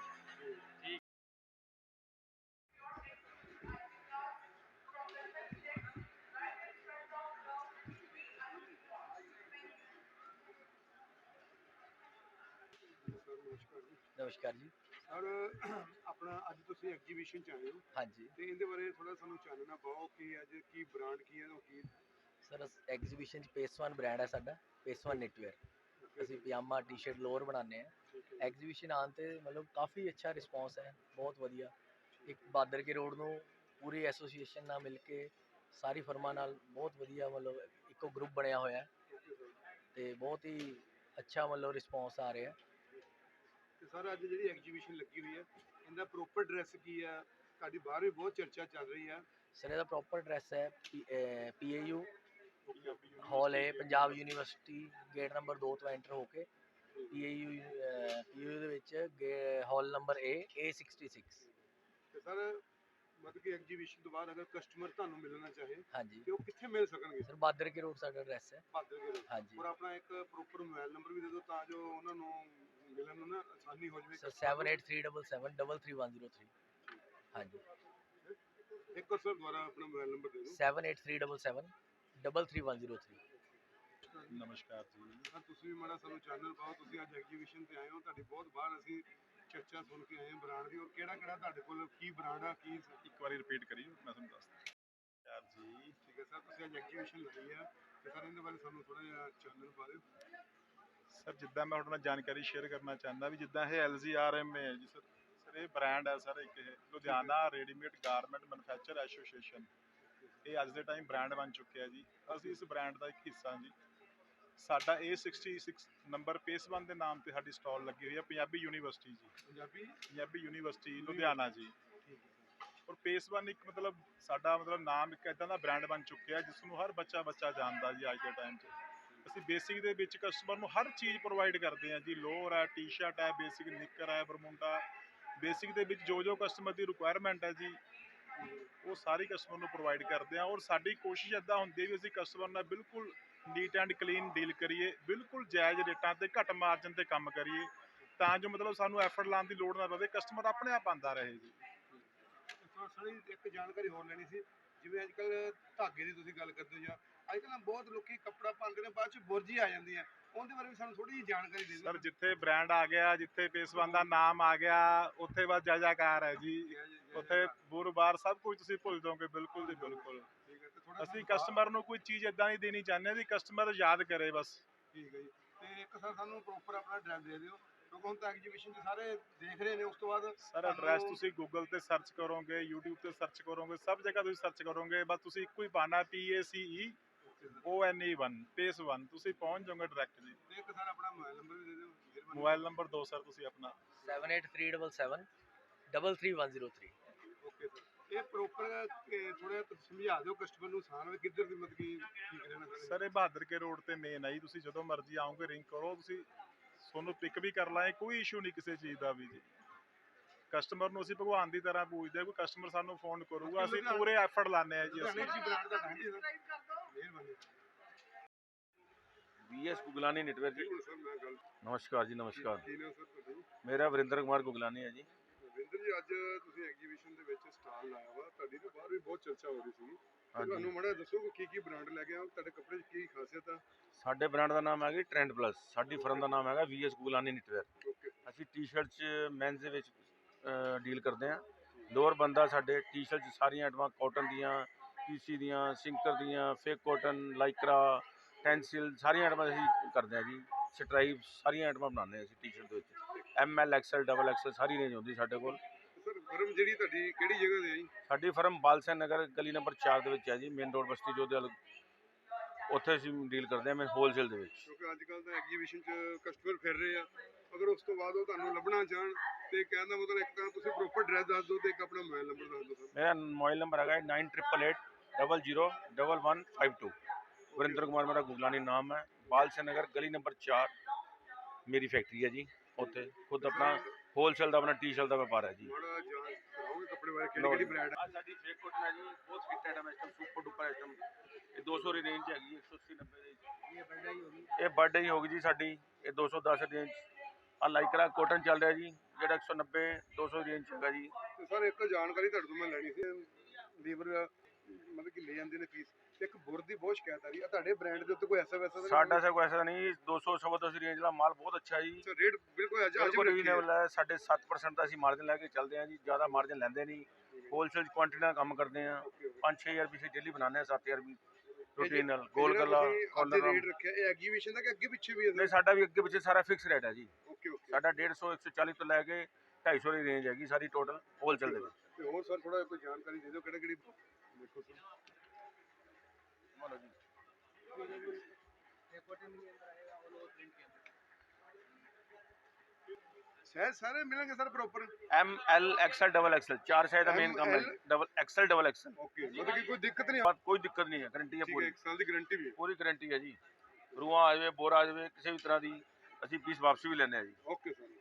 Speaker 2: ਸਰ ਨਮਸਕਾਰ ਜੀ।
Speaker 8: ਨਮਸਕਾਰ ਜੀ।
Speaker 2: ਸਰ ਆਪਣਾ ਅੱਜ ਤੁਸੀਂ ਐਗਜੀਬਿਸ਼ਨ ਚ ਆਏ ਹੋ
Speaker 8: ਹਾਂਜੀ
Speaker 2: ਤੇ ਇਹਦੇ ਬਾਰੇ ਥੋੜਾ ਸਾਨੂੰ ਚਾਨਣਾ ਪਾਓ ਕਿ ਅੱਜ ਕੀ ਬ੍ਰਾਂਡ ਕੀ ਹੈ ਉਹ ਕੀ?
Speaker 8: ਸਰ, ਐਗਜ਼ੀਬਿਸ਼ਨ 'ਚ ਪੇਸਵਾਨ ਬ੍ਰਾਂਡ ਹੈ ਸਾਡਾ, ਪੇਸਵਾਨ ਨਿਟਵੇਅਰ। ਅਸੀਂ ਪਜਾਮਾ ਟੀ-ਸ਼ਰਟ ਲੋਅਰ ਬਣਾਉਂਦੇ ਹਾਂ। ਐਗਜ਼ੀਬਿਸ਼ਨ ਆਉਣ 'ਤੇ ਮਤਲਬ ਕਾਫੀ ਅੱਛਾ ਰਿਸਪੌਂਸ ਹੈ, ਬਹੁਤ ਵਧੀਆ। ਇੱਕ ਬਾਦਰ ਕੇ ਰੋਡ ਨੂੰ ਪੂਰੀ ਐਸੋਸੀਏਸ਼ਨ ਨਾਲ ਮਿਲ ਕੇ ਸਾਰੀ ਫਰਮਾਂ ਨਾਲ ਬਹੁਤ ਵਧੀਆ ਮਤਲਬ ਇੱਕੋ ਗਰੁੱਪ ਬਣਿਆ ਹੋਇਆ ਤੇ ਬਹੁਤ ਹੀ ਅੱਛਾ ਮਤਲਬ ਰਿਸਪੌਂਸ ਆ ਰਿਹਾ।
Speaker 2: ਤੇ ਸਰ ਅੱਜ ਜਿਹੜੀ ਐਗਜੀਬਿਸ਼ਨ ਲੱਗੀ ਹੋਈ ਹੈ ਇਹਦਾ ਪ੍ਰੋਪਰ ਐਡਰੈਸ ਕੀ ਹੈ? ਤੁਹਾਡੀ ਬਾਹਰ ਵੀ ਬਹੁਤ ਚਰਚਾ ਚੱਲ ਰਹੀ ਹੈ।
Speaker 8: ਸਰ ਇਹਦਾ ਪ੍ਰੋਪਰ ਐਡਰੈਸ ਹੈ PAU ਹਾਲ ਹੈ, ਪੰਜਾਬ ਯੂਨੀਵਰਸਿਟੀ, ਗੇਟ ਨੰਬਰ 2 ਤੋਂ ਐਂਟਰ ਹੋ ਕੇ PAU ਦੇ ਵਿੱਚ ਹਾਲ ਨੰਬਰ A66।
Speaker 2: ਤੇ ਸਰ ਮਤਲਬ ਕਿ ਐਗਜੀਬਿਸ਼ਨ ਤੋਂ ਬਾਅਦ ਅਗਰ ਕਸਟਮਰ ਤੁਹਾਨੂੰ ਮਿਲਣਾ ਚਾਹੇ
Speaker 8: ਹਾਂਜੀ
Speaker 2: ਤੇ ਉਹ ਕਿੱਥੇ ਮਿਲ ਸਕਣਗੇ?
Speaker 8: ਸਰ, ਬਾਦਰ ਕੇ ਰੋਡ ਸਾਡਾ ਐਡਰੈਸ ਹੈ।
Speaker 2: ਭਾਦਰ ਕੇ ਰੋਡ।
Speaker 8: ਹਾਂਜੀ
Speaker 2: ਔਰ ਆਪਣਾ ਇੱਕ ਪ੍ਰੋਪਰ ਮੋਬਾਈਲ ਨੰਬਰ ਵੀ ਦੇ ਦਿਓ ਤਾਂ ਜੋ ਉਹਨਾਂ ਨੂੰ ਮਿਲਣ ਨੂੰ ਨਾ ਆਸਾਨੀ ਹੋ ਜਾਵੇ।
Speaker 8: ਸਰ 7837771103। ਹਾਂਜੀ
Speaker 2: ਇੱਕ ਵਾਰ ਸਰ ਦੁਬਾਰਾ ਆਪਣਾ ਮੋਬਾਈਲ ਨੰਬਰ ਦੇ ਦਿਓ।
Speaker 8: 7837771103।
Speaker 9: ਨਮਸਕਾਰ ਜੀ।
Speaker 2: ਸਰ ਤੁਸੀਂ ਵੀ ਮਾੜਾ ਸਾਨੂੰ ਚਾਨਣ ਪਾਓ, ਤੁਸੀਂ ਅੱਜ ਐਗਜੀਬਿਸ਼ਨ ਤੇ ਆਏ ਹੋ, ਤੁਹਾਡੀ ਬਹੁਤ ਬਾਹਰ ਅਸੀਂ ਚਰਚਾ ਸੁਣ ਕੇ ਆਏ ਹਾਂ ਬ੍ਰਾਂਡ ਦੀ। ਔਰ ਕਿਹੜਾ ਕਿਹੜਾ ਤੁਹਾਡੇ ਕੋਲ ਕੀ ਬ੍ਰਾਂਡ ਆ, ਕੀ?
Speaker 9: ਇੱਕ ਵਾਰੀ ਰਿਪੀਟ ਕਰੀਓ, ਮੈਂ ਤੁਹਾਨੂੰ ਦੱਸਦਾ। ਯਾਰ ਜੀ,
Speaker 2: ਠੀਕ ਹੈ ਸਰ, ਤੁਸੀਂ ਅੱਜ ਐਗਜੀਬਿਸ਼ਨ ਲਾਈ ਆ ਤੇ ਸਰ ਇਹਦੇ ਬਾਰੇ ਸਾਨੂੰ ਥੋੜਾ ਜਿਹਾ ਚਾਨਣ ਪਾ ਦਿਓ।
Speaker 9: ਸਰ ਜਿੱਦਾਂ ਮੈਂ ਤੁਹਾਡੇ ਨਾਲ ਜਾਣਕਾਰੀ ਸ਼ੇਅਰ ਕਰਨਾ ਚਾਹੁੰਦਾ ਵੀ ਜਿੱਦਾਂ ਇਹ LG RM ਹੈ ਜੀ ਸਰ, ਇਹ ਬ੍ਰਾਂਡ ਹੈ ਸਰ ਇੱਕ ਇਹ Ludhiana readymade garment manufacture association. ਇਹ ਅੱਜ ਦੇ ਟਾਈਮ ਬ੍ਰਾਂਡ ਬਣ ਚੁੱਕਿਆ ਜੀ। ਅਸੀਂ ਇਸ ਬ੍ਰਾਂਡ ਦਾ ਇੱਕ ਹਿੱਸਾ ਜੀ। ਸਾਡਾ A66 ਨੰਬਰ ਪੇਸਵਨ ਦੇ ਨਾਮ ਤੇ ਸਾਡੀ ਸਟਾਲ ਲੱਗੀ ਹੋਈ ਹੈ ਪੰਜਾਬੀ ਯੂਨੀਵਰਸਿਟੀ ਜੀ। ਪੰਜਾਬੀ ਯੂਨੀਵਰਸਿਟੀ ਲੁਧਿਆਣਾ ਜੀ। ਔਰ ਪੇਸਵਨ ਇੱਕ ਮਤਲਬ ਸਾਡਾ ਨਾਮ ਇੱਕ ਇੱਦਾਂ ਦਾ ਬ੍ਰਾਂਡ ਬਣ ਚੁੱਕਿਆ ਜਿਸ ਨੂੰ ਹਰ ਬੱਚਾ ਜਾਣਦਾ ਜੀ ਅੱਜ ਦੇ ਟਾਈਮ 'ਚ। ਅਸੀਂ ਬੇਸਿਕ ਦੇ ਵਿੱਚ ਕਸਟਮਰ ਨੂੰ ਹਰ ਚੀਜ਼ ਪ੍ਰੋਵਾਈਡ ਕਰਦੇ ਹਾਂ ਜੀ। ਲੋਅਰ ਹੈ, ਟੀ-ਸ਼ਰਟ ਹੈ, ਬੇਸਿਕ ਨਿੱਕਰ ਹੈ, ਬਰਮੁੰਡਾ। ਬੇਸਿਕ ਦੇ ਵਿੱਚ ਜੋ ਕਸਟਮਰ ਦੀ ਰਿਕੁਆਇਰਮੈਂਟ ਹੈ ਜੀ ਉਹ ਸਾਰੀ ਕਸਟਮਰ ਨੂੰ ਪ੍ਰੋਵਾਈਡ ਕਰਦੇ ਹਾਂ। ਔਰ ਸਾਡੀ ਕੋਸ਼ਿਸ਼ ਇੱਦਾਂ ਹੁੰਦੀ ਹੈ ਵੀ ਅਸੀਂ ਕਸਟਮਰ ਨਾਲ ਬਿਲਕੁਲ ਨੀਟ ਐਂਡ ਕਲੀਨ ਡੀਲ ਕਰੀਏ, ਬਿਲਕੁਲ ਜਾਇਜ਼ ਰੇਟਾਂ ਤੇ ਘੱਟ ਮਾਰਜਨ ਤੇ ਕੰਮ ਕਰੀਏ ਤਾਂ ਜੋ ਮਤਲਬ ਸਾਨੂੰ ਐਫਰਟ ਲਾਉਣ ਦੀ ਲੋੜ ਨਾ ਪਵੇ, ਕਸਟਮਰ ਆਪਣੇ ਆਪ ਆਉਂਦਾ ਰਹੇ ਜੀ।
Speaker 2: ਸਾਡੀ ਇੱਕ ਜਾਣਕਾਰੀ ਹੋਰ ਲੈਣੀ ਸੀ, ਜਿਵੇਂ ਅੱਜ ਕੱਲ੍ਹ ਧਾਗੇ ਦੀ ਤੁਸੀਂ ਗੱਲ ਕਰਦੇ ਹੋ ਜਾਂ ਅੱਜ ਕੱਲ੍ਹ ਬਹੁਤ ਲੋਕੀ ਕੱਪੜਾ ਪਾਉਂਦੇ ਨੇ ਬਾਅਦ ਚ ਬੁਰਜੀ ਆ ਜਾਂਦੀ ਹੈ, ਉਹਦੇ ਬਾਰੇ ਵੀ ਸਾਨੂੰ ਥੋੜੀ ਜਿਹੀ ਜਾਣਕਾਰੀ ਦੇ ਦਿਓ
Speaker 9: ਸਰ ਜਿੱਥੇ ਬ੍ਰਾਂਡ ਆ ਗਿਆ, ਜਿੱਥੇ ਪੇਸਵਨ ਦਾ ਨਾਮ ਆ ਗਿਆ, ਉੱਥੇ ਬਸ ਜੈ-ਜੈਕਾਰ ਹੈ ਜੀ। ਉੱਥੇ ਬੁਰ-ਬਾਰ ਸਭ ਕੁਝ ਤੁਸੀਂ ਭੁੱਲ ਜਾਓਗੇ ਬਿਲਕੁਲ ਜੀ ਬਿਲਕੁਲ। ਅਸੀਂ ਕਸਟਮਰ ਨੂੰ ਕੋਈ ਚੀਜ਼ ਇਦਾਂ ਦੀ ਦੇਣੀ ਚਾਹੁੰਦੇ ਵੀ ਕਸਟਮਰ ਯਾਦ ਕਰੇ ਬਸ।
Speaker 2: ਠੀਕ ਹੈ ਜੀ। ਤੇ ਇੱਕ ਸਰ ਸਾਨੂੰ ਪ੍ਰੋਪਰ ਆਪਣਾ ਐਡਰੈਸ ਦੇ ਦਿਓ ਕਿਉਂਕਿ ਹੁਣ ਤਾਂ ਐਗਜੀਬਿਸ਼ਨ 'ਚ ਸਾਰੇ ਦੇਖ ਰਹੇ ਨੇ। ਉਸ ਤੋਂ ਬਾਅਦ
Speaker 9: ਸਰ ਐਡਰੈਸ ਤੁਸੀਂ ਗੂਗਲ ਤੇ ਸਰਚ ਕਰੋਗੇ, YouTube ਤੇ ਸਰਚ ਕਰੋਗੇ, ਸਭ ਜਗ੍ਹਾ ਤੁਸੀਂ ਸਰਚ ਕਰੋਗੇ, ਬਸ ਤੁਸੀਂ ਇੱਕੋ ਹੀ ਪਾਣਾ PACEONE1 ਪੇਸ1 ਤੁਸੀਂ ਪਹੁੰਚ ਜਾਓਗੇ ਡਾਇਰੈਕਟ ਜੀ।
Speaker 2: ਤੇ ਇੱਕ ਸਰ ਆਪਣਾ ਮੋਬਾਈਲ ਨੰਬਰ ਵੀ ਦੇ ਦਿਓ।
Speaker 9: ਮੋਬਾਈਲ ਨੰਬਰ ਦਿਓ ਸਰ ਤੁਸੀਂ ਆਪਣਾ
Speaker 8: 7837 33103।
Speaker 2: Okay sir. ਇਹ ਪ੍ਰੋਪਰ ਥੋੜਾ ਸਮਝਾ ਦਿਓ ਕਸਟਮਰ ਨੂੰ ਆਸਾਨ ਹੋਵੇ ਕਿੱਧਰ ਦੀ ਮਤਲਬ ਕੀ ਠੀਕ ਰਹਿਣਾ
Speaker 9: ਸਰ ਇਹ ਬਹਾਦਰ ਕੇ ਰੋਡ ਤੇ ਮੇਨ ਹੈ ਜੀ। ਤੁਸੀਂ ਜਦੋਂ ਮਰਜ਼ੀ ਆਓਗੇ ਰਿੰਗ ਕਰੋ, ਤੁਸੀਂ ਤੁਹਾਨੂੰ ਪਿਕ ਵੀ ਕਰ ਲਾਂਗੇ, ਕੋਈ ਇਸ਼ੂ ਨਹੀਂ ਕਿਸੇ ਚੀਜ਼ ਦਾ ਵੀ ਜੀ। ਕਸਟਮਰ ਨੂੰ ਅਸੀਂ ਭਗਵਾਨ ਦੀ ਤਰ੍ਹਾਂ ਪੂਜਦੇ ਹਾਂ। ਕੋਈ ਕਸਟਮਰ ਸਾਨੂੰ ਫੋਨ ਕਰੂਗਾ ਅਸੀਂ ਪੂਰੇ ਐਫਰਟ ਲਾਉਂਦੇ ਹਾਂ ਜੀ ਅਸੀਂ।
Speaker 2: ਮਿਹਰਬਾਨੀ।
Speaker 10: BS Guglani network ji.
Speaker 2: Sir ਮੈਂ ਗੱਲ
Speaker 10: ਨਮਸਕਾਰ ਜੀ ਨਮਸਕਾਰ।
Speaker 2: ਕੀ ਨਾਮ ਸਰ ਤੁਹਾਡਾ ਜੀ?
Speaker 10: ਮੇਰਾ ਵਰਿੰਦਰ ਕੁਮਾਰ ਗੁਗਲਾਨੀ ਹੈ ਜੀ।
Speaker 2: ਵਰਿੰਦਰ ਜੀ ਅੱਜ ਤੁਸੀਂ ਐਗਜੀਬਿਸ਼ਨ ਦੇ ਵਿੱਚ ਸਟਾਲ ਲਾਇਆ ਵਾ, ਤੁਹਾਡੀ ਤਾਂ ਬਾਹਰ ਵੀ ਬਹੁਤ ਚਰਚਾ ਹੋ ਰਹੀ ਸੀ। ਤੁਹਾਨੂੰ ਮਾੜਾ ਦੱਸੋ ਕਿ ਕੀ ਬ੍ਰਾਂਡ ਲੈ ਕੇ ਆਓ, ਤੁਹਾਡੇ ਕੱਪੜੇ 'ਚ ਕੀ ਖਾਸੀਅਤ ਆ?
Speaker 10: ਸਾਡੇ ਬ੍ਰਾਂਡ ਦਾ ਨਾਮ ਹੈਗਾ ਟ੍ਰੈਂਡ ਪਲੱਸ। ਸਾਡੀ ਫਰਮ ਦਾ ਨਾਮ ਹੈਗਾ VS ਗੁਗਲਾਨੀ ਨੈਟਵਰਕ।
Speaker 2: ਓਕੇ
Speaker 10: ਅਸੀਂ ਟੀ-ਸ਼ਰਟ 'ਚ ਮੈਨਸ ਦੇ ਵਿੱਚ ਡੀਲ ਕਰਦੇ ਹਾਂ। ਲੋਅਰ ਬੰਦਾ ਸਾਡੇ ਟੀ-ਸ਼ਰਟ 'ਚ ਸਾਰੀਆਂ ਆਈਟਮਾਂ ਕਾਟਨ ਦੀਆਂ, PC ਦੀਆਂ, ਸਿੰਕਰ ਦੀਆਂ, ਫੇਕ ਕਾਟਨ, ਲਾਈਕਰਾ, ਟੈਂਸਿਲ ਸਾਰੀਆਂ ਆਈਟਮਾਂ ਅਸੀਂ ਕਰਦੇ ਹਾਂ ਜੀ। ਸਟਰਾਈਪ ਸਾਰੀਆਂ ਆਈਟਮਾਂ ਬਣਾਉਂਦੇ ਹਾਂ ਅਸੀਂ ਟੀ-ਸ਼ਰਟ ਦੇ ਵਿੱਚ। ML XL XXL ਸਾਰੀ ਰੇਂਜ ਹੁੰਦੀ ਸਾਡੇ ਕੋਲ।
Speaker 2: ਸਰ ਫਰਮ ਜਿਹੜੀ ਤੁਹਾਡੀ ਕਿਹੜੀ ਜਗ੍ਹਾ ਤੇ ਹੈ ਜੀ?
Speaker 10: ਸਾਡੀ ਫਰਮ ਬਾਲਸਨ ਨਗਰ ਗਲੀ ਨੰਬਰ 4 ਦੇ ਵਿੱਚ ਹੈ ਜੀ, ਮੇਨ ਰੋਡ ਬਸਤੀ ਜੋਧੇਵਾਲ। ਉੱਥੇ ਅਸੀਂ ਡੀਲ ਕਰਦੇ ਹਾਂ ਮੈਂ ਹੋਲਸੇਲ ਦੇ ਵਿੱਚ।
Speaker 2: ਕਿਉਂਕਿ ਅੱਜ ਕੱਲ੍ਹ ਤਾਂ ਐਗਜੀਬਿਸ਼ਨ 'ਚ ਕਸਟਮਰ ਫਿਰ ਰਹੇ ਆ, ਅਗਰ ਉਸ ਤੋਂ ਬਾਅਦ ਉਹ ਤੁਹਾਨੂੰ ਲੱਭਣਾ ਚਾਹਣ ਤੇ ਕਹਿਣ ਦਾ ਮਤਲਬ ਇੱਕ ਤਾਂ ਤੁਸੀਂ ਪ੍ਰੋਪਰ ਐਡਰੈਸ ਦੱਸ ਦਿਓ ਤੇ ਇੱਕ ਆਪਣਾ ਮੋਬਾਈਲ ਨੰਬਰ ਦੱਸ ਦਿਓ ਸਰ।
Speaker 10: ਮੇਰਾ ਮੋਬਾਈਲ ਨੰਬਰ ਹੈਗਾ 9888 001152। ਵਰਿੰਦਰ ਕੁਮਾਰ ਮੇਰਾ ਗੁਗਲਾਨੀ ਨਾਮ ਹੈ। ਬਾਲਸਨ ਨਗਰ ਗਲੀ ਨੰਬਰ 4 ਮੇਰੀ ਫੈਕਟਰੀ ਹੈ ਜੀ। ਉੱਥੇ ਖੁਦ ਆਪਣਾ ਹੋਲਸੇਲ ਦਾ ਆਪਣਾ ਟੀ-ਸ਼ਰਟ ਦਾ ਵਪਾਰ ਹੈ ਜੀ।
Speaker 2: ਮਾੜਾ ਜਾਂਚ ਕਰਾਓਗੇ ਕੱਪੜੇ ਬਾਰੇ ਕਿਹੜੀ ਬ੍ਰਾਂਡ
Speaker 10: ਆ ਸਾਡੀ ਫੇਕ ਕਾਟਨ ਹੈ ਜੀ, ਬਹੁਤ ਫਿੱਟ ਆਈਟਮ ਹੈ, ਸੁਪਰ ਡੁਪਰ ਆਈਟਮ। ਇਹ 200 ਦੀ ਰੇਂਜ 'ਚ ਹੈਗੀ, 180 90 ਦੀ। ਇਹ ਬਰਥਡੇ ਹੀ ਹੋਗੀ ਜੀ ਸਾਡੀ। ਇਹ 210 ਰੇਂਜ। ਆ ਲਾਈਕਰਾ ਕਾਟਨ ਚੱਲ ਰਿਹਾ ਜੀ ਜਿਹੜਾ 190 200 ਰੇਂਜ 'ਚ ਹੈਗਾ ਜੀ।
Speaker 2: ਤੇ ਸਰ ਇੱਕ ਜਾਣਕਾਰੀ ਤੁਹਾਡੇ ਤੋਂ ਮੈਂ ਲੈਣੀ ਸੀ। ਲੀਵਰ ਮਤਲਬ ਕਿ ਲੈ ਜਾਂਦੇ ਨੇ ਪੀਸ, ਇੱਕ ਬੁਰ ਦੀ ਬਹੁਤ ਸ਼ਿਕਾਇਤ ਆ ਰਹੀ ਆ ਤੁਹਾਡੇ ਬ੍ਰਾਂਡ ਦੇ ਉੱਤੇ ਕੋਈ ਐਸਾ ਵੈਸਾ?
Speaker 10: ਸਾਡਾ ਸੇ ਕੋਈ ਐਸਾ ਨਹੀਂ। 200 210 ਰੇਂਜ ਦਾ ਮਾਲ ਬਹੁਤ ਅੱਛਾ ਜੀ।
Speaker 2: ਰੇਟ ਬਿਲਕੁਲ
Speaker 10: ਬਿਲਕੁਲ ਰੀਜ਼ਨੇਬਲ ਹੈ। ਸਾਡੇ 7% ਦਾ ਅਸੀਂ ਮਾਰਜਨ ਲੈ ਕੇ ਚੱਲਦੇ ਹਾਂ ਜੀ, ਜ਼ਿਆਦਾ ਮਾਰਜਨ ਲੈਂਦੇ ਨਹੀਂ। ਹੋਲਸੇਲ ਕੁਆਂਟੀਟੀ ਨਾਲ ਕੰਮ ਕਰਦੇ ਹਾਂ। 5-6000 ਪੀਸ ਡੇਲੀ ਬਣਾਉਂਦੇ ਹਾਂ, 7000 ਵੀ ਰੂਟੀਨ ਨਾਲ। ਗੋਲ ਗਲਾ
Speaker 2: ਰੇਟ ਰੱਖਿਆ ਇਹ ਐਗਜੀਬਿਸ਼ਨ ਦਾ ਕਿ ਅੱਗੇ ਪਿੱਛੇ ਵੀ?
Speaker 10: ਨਹੀਂ ਸਾਡਾ ਵੀ ਅੱਗੇ ਪਿੱਛੇ ਸਾਰਾ ਫਿਕਸ ਰੇਟ ਹੈ ਜੀ।
Speaker 2: Okay okay.
Speaker 10: ਸਾਡਾ 150 140 ਤੋਂ ਲੈ ਕੇ 250 ਦੀ ਰੇਂਜ ਹੈਗੀ ਸਾਰੀ ਟੋਟਲ ਹੋਲਸੇਲ ਦੇ ਵਿੱਚ।
Speaker 2: ਤੇ ਹੋਰ ਸਰ ਥੋੜਾ ਕੋਈ ਜਾਣਕਾਰੀ ਦੇ ਦਿਓ ਕਿਹੜੇ ਦੇਖੋ ਸਰ।
Speaker 10: ਮੰਨ ਜੀ
Speaker 2: ਸਾਈਜ਼ ਸਾਰੇ ਮਿਲਣਗੇ sir proper?
Speaker 10: ML XL XXL 4 size ਦਾ ਮੇਨ ਕੰਮ ਹੈ। XL XXL।
Speaker 2: ਓਕੇ ਮਤਲਬ ਕਿ ਕੋਈ ਦਿੱਕਤ ਨਹੀਂ?
Speaker 10: ਕੋਈ ਦਿੱਕਤ ਨਹੀਂ ਹੈ, ਗਾਰੰਟੀ ਹੈ ਪੂਰੀ।
Speaker 2: 1 ਸਾਲ ਦੀ ਗਾਰੰਟੀ ਵੀ ਹੈ?
Speaker 10: ਪੂਰੀ ਗਾਰੰਟੀ ਹੈ ਜੀ। ਰੂਹਾਂ ਆ ਜਾਵੇ, ਬੋਰ ਆ ਜਾਵੇ, ਕਿਸੇ ਵੀ ਤਰ੍ਹਾਂ ਦੀ ਅਸੀਂ ਪੀਸ ਵਾਪਸ ਵੀ ਲੈਂਦੇ ਹਾਂ ਜੀ।
Speaker 2: Okay sir.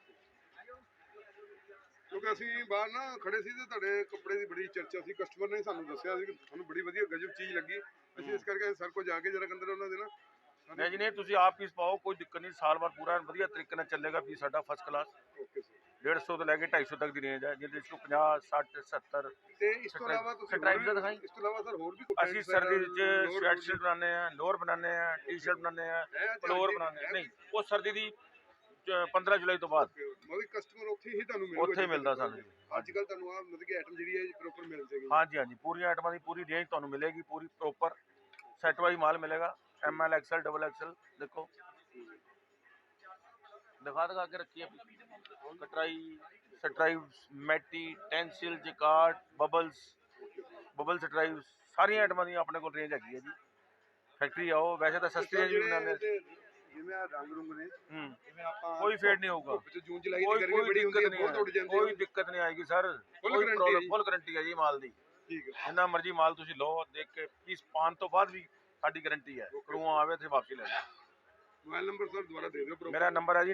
Speaker 2: ਕਿਉਂਕਿ ਅਸੀਂ ਬਾਹਰ ਨਾ ਖੜੇ ਸੀ ਤੇ ਤੁਹਾਡੇ ਕੱਪੜੇ ਦੀ ਬੜੀ ਚਰਚਾ ਸੀ, ਕਸਟਮਰ ਨੇ ਸਾਨੂੰ ਦੱਸਿਆ ਸੀ ਕਿ ਤੁਹਾਨੂੰ ਬੜੀ ਵਧੀਆ ਗਜਬ ਚੀਜ਼ ਲੱਗੀ। ਅਸੀਂ ਇਸ ਕਰਕੇ ਸਰ ਕੋਲ ਜਾ ਕੇ ਜਰਾ ਅੰਦਰ ਉਹਨਾਂ ਦੇ ਨਾ।
Speaker 10: ਨਹੀਂ ਜੀ ਨਹੀਂ, ਤੁਸੀਂ ਆਪ ਪੀਸ ਪਾਓ, ਕੋਈ ਦਿੱਕਤ ਨਹੀਂ। ਸਾਲ ਭਰ ਪੂਰਾ ਵਧੀਆ ਤਰੀਕੇ ਨਾਲ ਚੱਲੇਗਾ ਪੀਸ ਸਾਡਾ ਫਸਟ ਕਲਾਸ।
Speaker 2: Okay sir.
Speaker 10: 150 ਤੋਂ ਲੈ ਕੇ 250 ਤੱਕ ਦੀ ਰੇਂਜ ਹੈ, ਜਿਹਦੇ ਵਿੱਚ 50 60 70।
Speaker 2: ਤੇ ਇਸ ਤੋਂ ਇਲਾਵਾ ਤੁਸੀਂ
Speaker 10: ਸਟਰਾਈਪ ਦਾ ਦਿਖਾਈ।
Speaker 2: ਇਸ ਤੋਂ ਇਲਾਵਾ ਸਰ ਹੋਰ ਵੀ
Speaker 10: ਅਸੀਂ ਸਰਦੀ ਵਿੱਚ ਸਵੈਟ ਸ਼ਰਟ ਬਣਾਉਂਦੇ ਹਾਂ, ਲੋਅਰ ਬਣਾਉਂਦੇ ਹਾਂ, ਟੀ-ਸ਼ਰਟ ਬਣਾਉਂਦੇ ਹਾਂ, ਫਲੋਰ ਬਣਾਉਂਦੇ ਹਾਂ। ਨਹੀਂ ਉਹ ਸਰਦੀ ਦੀ 15 ਜੁਲਾਈ ਤੋਂ ਬਾਅਦ
Speaker 2: ਮਤਲਬ ਕਸਟਮਰ ਉੱਥੇ ਹੀ ਤੁਹਾਨੂੰ ਮਿਲੂਗਾ?
Speaker 10: ਉੱਥੇ ਮਿਲਦਾ ਸਾਨੂੰ।
Speaker 2: ਅੱਜ ਕੱਲ ਤੁਹਾਨੂੰ ਆ ਮਤਲਬ ਕਿ ਆਈਟਮ ਜਿਹੜੀ ਹੈ ਪ੍ਰੋਪਰ ਮਿਲ ਜਾਏਗੀ?
Speaker 10: ਹਾਂਜੀ ਹਾਂਜੀ, ਪੂਰੀਆਂ ਆਈਟਮਾਂ ਦੀ ਪੂਰੀ ਰੇਂਜ ਤੁਹਾਨੂੰ ਮਿਲੇਗੀ, ਪੂਰੀ ਪ੍ਰੋਪਰ ਸੈਟ ਵਾਈਜ਼ ਮਾਲ ਮਿਲੇਗਾ। ML XL XXL ਦੇਖੋ। ਦਿਖਾ ਕੇ ਰੱਖੀ ਹੈ ਕਟਰਾਈ ਸਟਰਾਈਵਸ ਮੈਟੀ ਟੈਂਸਿਲ ਜਿਕਾਰਡ ਬਬਲ ਸਟਰਾਈਵਸ ਸਾਰੀਆਂ ਆਈਟਮਾਂ ਦੀ ਆਪਣੇ ਕੋਲ ਰੇਂਜ ਹੈਗੀ ਹੈ ਜੀ ਫੈਕਟਰੀ ਆਓ ਵੈਸੇ ਤਾਂ ਸਸਤੀ ਰੇਂਜ ਵੀ ਬਣਾਉਂਦੇ
Speaker 2: ਜਿਵੇਂ ਆ ਰੰਗ ਰੁੰਗ ਨੇ ਜਿਵੇਂ ਆਪਾਂ
Speaker 10: ਕੋਈ ਫੇਡ ਨਹੀਂ ਹੋਊਗਾ
Speaker 2: ਜੂਨ ਜੁਲਾਈ ਦੀ ਗਰਮੀ ਬੜੀ ਹੁੰਦੀ ਹੈ ਬਹੁਤ ਉੱਡ ਜਾਂਦੇ
Speaker 10: ਕੋਈ ਦਿੱਕਤ ਨਹੀਂ ਆਏਗੀ ਸਰ ਫੁੱਲ ਗਾਰੰਟੀ ਹੈ ਜੀ ਮਾਲ ਦੀ
Speaker 2: ਠੀਕ ਹੈ
Speaker 10: ਜਿੰਨਾ ਮਰਜ਼ੀ ਮਾਲ ਤੁਸੀਂ ਲਓ ਦੇਖ ਕੇ ਪੀਸ ਪਾਉਣ ਤੋਂ ਬਾਅਦ ਵੀ ਸਾਡੀ ਗਾਰੰਟੀ ਹੈ ਕਰੂਆ ਆਵੇ ਤੇ ਵਾਪਸੀ ਲੈ ਲਓ
Speaker 2: ਮੋਬਾਈਲ ਨੰਬਰ ਸਰ ਦੁਬਾਰਾ ਦੇ ਦਿਓ
Speaker 10: ਮੇਰਾ ਨੰਬਰ ਹੈ ਜੀ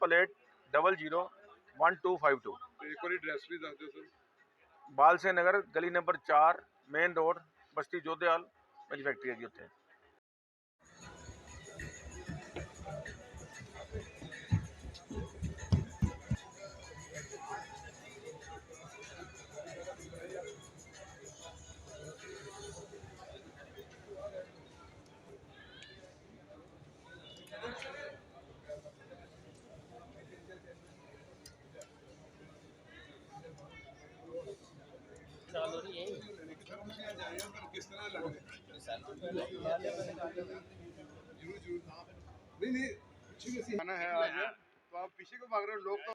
Speaker 10: 9888001252
Speaker 2: ਤੇ ਇੱਕ ਵਾਰੀ ਐਡਰੈਸ ਵੀ ਦੱਸ ਦਿਓ ਸਰ
Speaker 10: ਬਾਲ ਸੇ ਨਗਰ ਗਲੀ number 4 main road Basti Jodhewal ਮੇਰੀ ਫੈਕਟਰੀ ਹੈ ਜੀ ਉੱਥੇ
Speaker 2: किस तरह लग रहा है नहीं आना है आज तो आप पीछे को भाग रहे हो लोग तो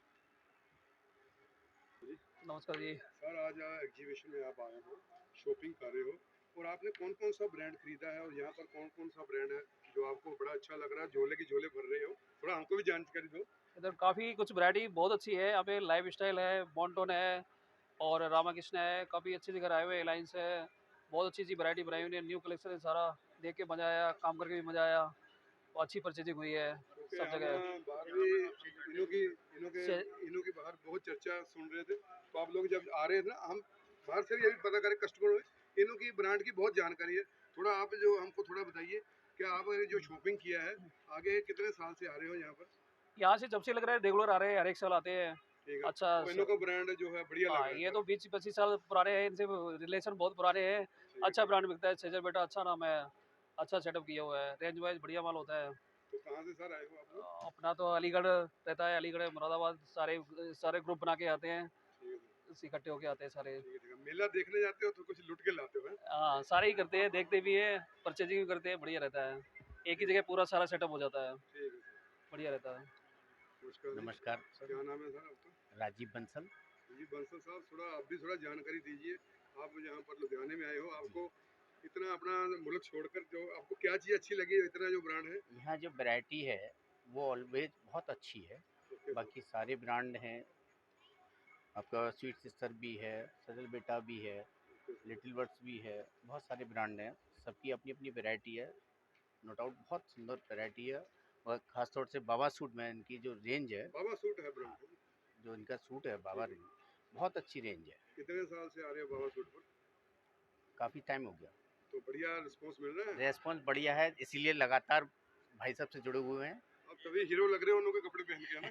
Speaker 7: नमस्कार जी
Speaker 2: सर आज एग्जीबिशन में आप आए हो शॉपिंग कर रहे हो और आपने कौन कौन सा ब्रांड खरीदा है और यहाँ पर कौन कौन सा ब्रांड है जो आपको बड़ा अच्छा लग रहा है झोले की झोले भर रहे हो थोड़ा हमको भी जानकारी दो
Speaker 7: इधर काफ़ी कुछ वैरायटी बहुत अच्छी है यहाँ पे लाइफ स्टाइल है बॉन्टोन है और रामाकृष्ण है काफ़ी अच्छी जगह आए हुए एलायंस है बहुत अच्छी अच्छी वैरायटी बनाई हुई है न्यू कलेक्शन है सारा देख के मज़ा आया काम करके भी मज़ा आया अच्छी परचेजिंग हुई है सब जगह
Speaker 2: बाहर भी इनों की बाहर बहुत चर्चा सुन रहे थे तो आप लोग जब आ रहे थे ना हम बाहर से भी ये भी पता करें कस्टमर हुए इनों की ब्रांड की बहुत जानकारी है थोड़ा आप जो हमको थोड़ा बताइए कि आप जो शॉपिंग किया है आगे कितने साल से आ रहे हो यहाँ पर
Speaker 7: यहाँ से जब से लग रहा है रेगुलर आ रहे हैं हर एक साल आते हैं अच्छा
Speaker 2: तो इनों का ब्रांड जो है बढ़िया लग रहा है
Speaker 7: ये तो 20-25 साल पुराने हैं इनसे रिलेशन बहुत पुराने हैं अच्छा ब्रांड बिकता है सेजल बेटा अच्छा नाम है अच्छा सेटअप किया हुआ है रेंज वाइज बढ़िया माल होता है
Speaker 2: तो कहाँ से सर आए हो आप लोग
Speaker 7: अपना तो अलीगढ़ रहता है अलीगढ़ मुरादाबाद सारे ग्रुप बना के आते हैं इकट्ठे होके आते हैं सारे
Speaker 2: मेला देखने जाते हो तो कुछ लुट के लाते हो
Speaker 7: हाँ सारे ही करते हैं देखते भी है परचेजिंग भी करते हैं बढ़िया रहता है एक ही जगह पूरा सारा सेटअप हो जाता है बढ़िया रहता है
Speaker 11: नमस्कार
Speaker 2: क्या नाम है सर आपका
Speaker 11: राजीव बंसल
Speaker 2: जी बंसल साहब थोड़ा आप भी थोड़ा जानकारी दीजिए आप यहाँ पर लुधियाने में आए हो आपको इतना अपना मुल्क छोड़कर जो आपको क्या चीज़ अच्छी लगी इतना जो ब्रांड है
Speaker 11: यहाँ जो वैरायटी है वो ऑलवेज बहुत अच्छी है बाकी सारे ब्रांड हैं आपका स्वीट सिस्टर भी है सजल बेटा भी है लिटिल बर्ड्स भी है बहुत सारे ब्रांड हैं सबकी अपनी अपनी वैरायटी है नो डाउट बहुत सुंदर वैरायटी है और ख़ासतौर से बाबा सूट में इनकी जो रेंज है
Speaker 2: बाबा सूट है ब्रांड
Speaker 11: जो इनका सूट है बाबा रेंज बहुत अच्छी रेंज है
Speaker 2: कितने साल से आ रहे हो बाबा सूट पर
Speaker 11: काफ़ी टाइम हो गया
Speaker 2: तो बढ़िया रिस्पॉन्स मिल रहा है
Speaker 11: रेस्पॉन्स बढ़िया है इसीलिए लगातार भाई साहब से जुड़े हुए हैं
Speaker 2: अब तभी हीरो लग रहे हो उनके कपड़े पहन के ना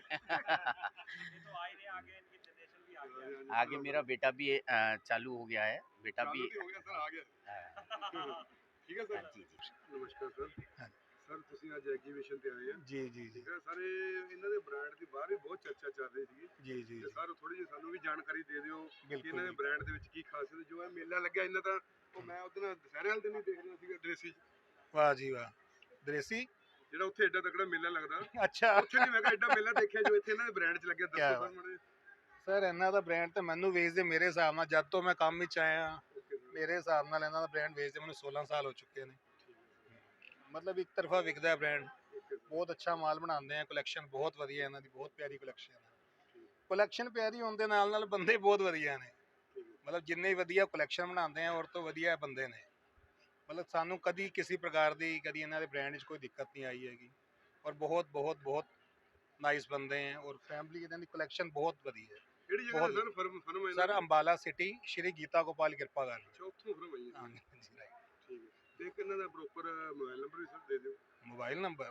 Speaker 11: आगे मेरा बेटा भी चालू हो गया है बेटा भी
Speaker 2: हो गया सर आ गया ठीक है सर
Speaker 11: जी
Speaker 2: नमस्कार सर सर ਤੁਸੀਂ ਅੱਜ ਐਗਜੀਬਿਸ਼ਨ ਤੇ ਆਏ ਆ
Speaker 12: ਜੀ ਜੀ
Speaker 2: ਠੀਕ ਹੈ ਸਾਰੇ ਇਹਨਾਂ ਦੇ ਬ੍ਰਾਂਡ ਦੀ ਬਾਹਰ ਵੀ ਬਹੁਤ ਚਰਚਾ ਚੱਲ ਰਹੀ ਸੀ
Speaker 12: ਜੀ ਜੀ
Speaker 2: ਤੇ ਸਰ ਥੋੜੀ ਜਿਹੀ ਸਾਨੂੰ ਵੀ ਜਾਣਕਾਰੀ ਦੇ ਦਿਓ ਕਿ
Speaker 12: ਬਿਲਕੁਲ
Speaker 2: ਇਹਨਾਂ ਦੇ ਬ੍ਰਾਂਡ ਦੇ ਵਿੱਚ ਕੀ ਖਾਸੀਅਤ ਜੋ ਹੈ ਮੇਲਾ ਲੱਗਿਆ ਇਹਨਾਂ ਦਾ ਉਹ ਮੈਂ ਉਹਦੇ ਨਾਲ ਦੁਸਹਿਰੇ ਵਾਲੇ ਦਿਨ ਹੀ ਦੇਖ ਰਿਹਾ ਸੀਗਾ ਦ੍ਰੇਸੀ
Speaker 12: ਵਾਹ ਜੀ ਵਾਹ ਦ੍ਰੇਸੀ
Speaker 2: ਜਿਹੜਾ ਉੱਥੇ ਐਡਾ ਤਕੜਾ ਮੇਲਾ ਲੱਗਦਾ
Speaker 12: ਅੱਛਾ
Speaker 2: ਉੱਥੇ ਨਹੀਂ ਮੈਂ ਕਿਹਾ ਐਡਾ ਮੇਲਾ ਦੇਖਿਆ ਜੋ ਇੱਥੇ ਇਹਨਾਂ ਦੇ ਬ੍ਰਾਂਡ 'ਚ ਲੱਗਿਆ ਦੱਸੋ ਸਰ ਮਾੜੇ
Speaker 12: ਸਰ ਇਹਨਾਂ ਦਾ ਬ੍ਰਾਂਡ ਤਾਂ ਮੈਨੂੰ ਵੇਚਦੇ ਮੇਰੇ ਹਿਸਾਬ ਨਾਲ ਜਦ ਤੋਂ ਮੈਂ ਕੰਮ ਵਿੱਚ ਆਇਆ ਮੇਰੇ ਹਿਸਾਬ ਨਾਲ ਇਹਨਾਂ ਦਾ ਬ੍ਰਾਂਡ ਵੇਚਦੇ ਮੈਨੂੰ 16 ਸਾਲ ਹੋ ਚੁੱਕੇ ਨੇ ਮਤਲਬ ਇੱਕ ਤਰਫਾ ਵਿਕਦਾ ਬ੍ਰਾਂਡ ਬਹੁਤ ਅੱਛਾ ਮਾਲ ਬਣਾਉਂਦੇ ਆ ਕਲੈਕਸ਼ਨ ਬਹੁਤ ਵਧੀਆ ਇਹਨਾਂ ਦੀ ਬਹੁਤ ਪਿਆਰੀ ਕਲੈਕਸ਼ਨ ਹੈ ਕਲੈਕਸ਼ਨ ਪਿਆਰੀ ਹੋਣ ਦੇ ਨਾਲ ਨਾਲ ਬੰਦੇ ਬਹੁਤ ਵਧੀਆ ਨੇ ਮਤਲਬ ਜਿੰਨੇ ਵਧੀਆ ਕਲੈਕਸ਼ਨ ਬਣਾਉਂਦੇ ਆ ਔਰ ਤੋਂ ਵਧੀਆ ਬੰਦੇ ਨੇ ਮਤਲਬ ਸਾਨੂੰ ਕਦੀ ਕਿਸੇ ਪ੍ਰਕਾਰ ਦੀ ਕਦੀ ਇਹਨਾਂ ਦੇ ਬ੍ਰਾਂਡ 'ਚ ਕੋਈ ਦਿੱਕਤ ਨਹੀਂ ਆਈ ਹੈਗੀ ਔਰ ਬਹੁਤ ਬਹੁਤ ਬਹੁਤ ਨਾਈਸ ਬੰਦੇ ਹੈ ਔਰ ਫੈਮਿਲੀ ਇਹਨਾਂ ਦੀ ਕਲੈਕਸ਼ਨ ਬਹੁਤ ਵਧੀਆ ਹੈ
Speaker 2: ਕਿਹੜੀ ਜਗ੍ਹਾ sir firm
Speaker 12: sir Ambala city Shri Geeta Gopal ਕਿਰਪਾ ਕਰ
Speaker 2: ਚੌਥੋਂ ਫਰਮ ਆਈ ਹੈ ਠੀਕ ਹੈ ਤੇ ਇਹਨਾਂ ਦਾ ਪ੍ਰੋਪਰ ਮੋਬਾਈਲ ਨੰਬਰ ਵੀ ਸਰ ਦੇ ਦਿਓ
Speaker 12: mobile number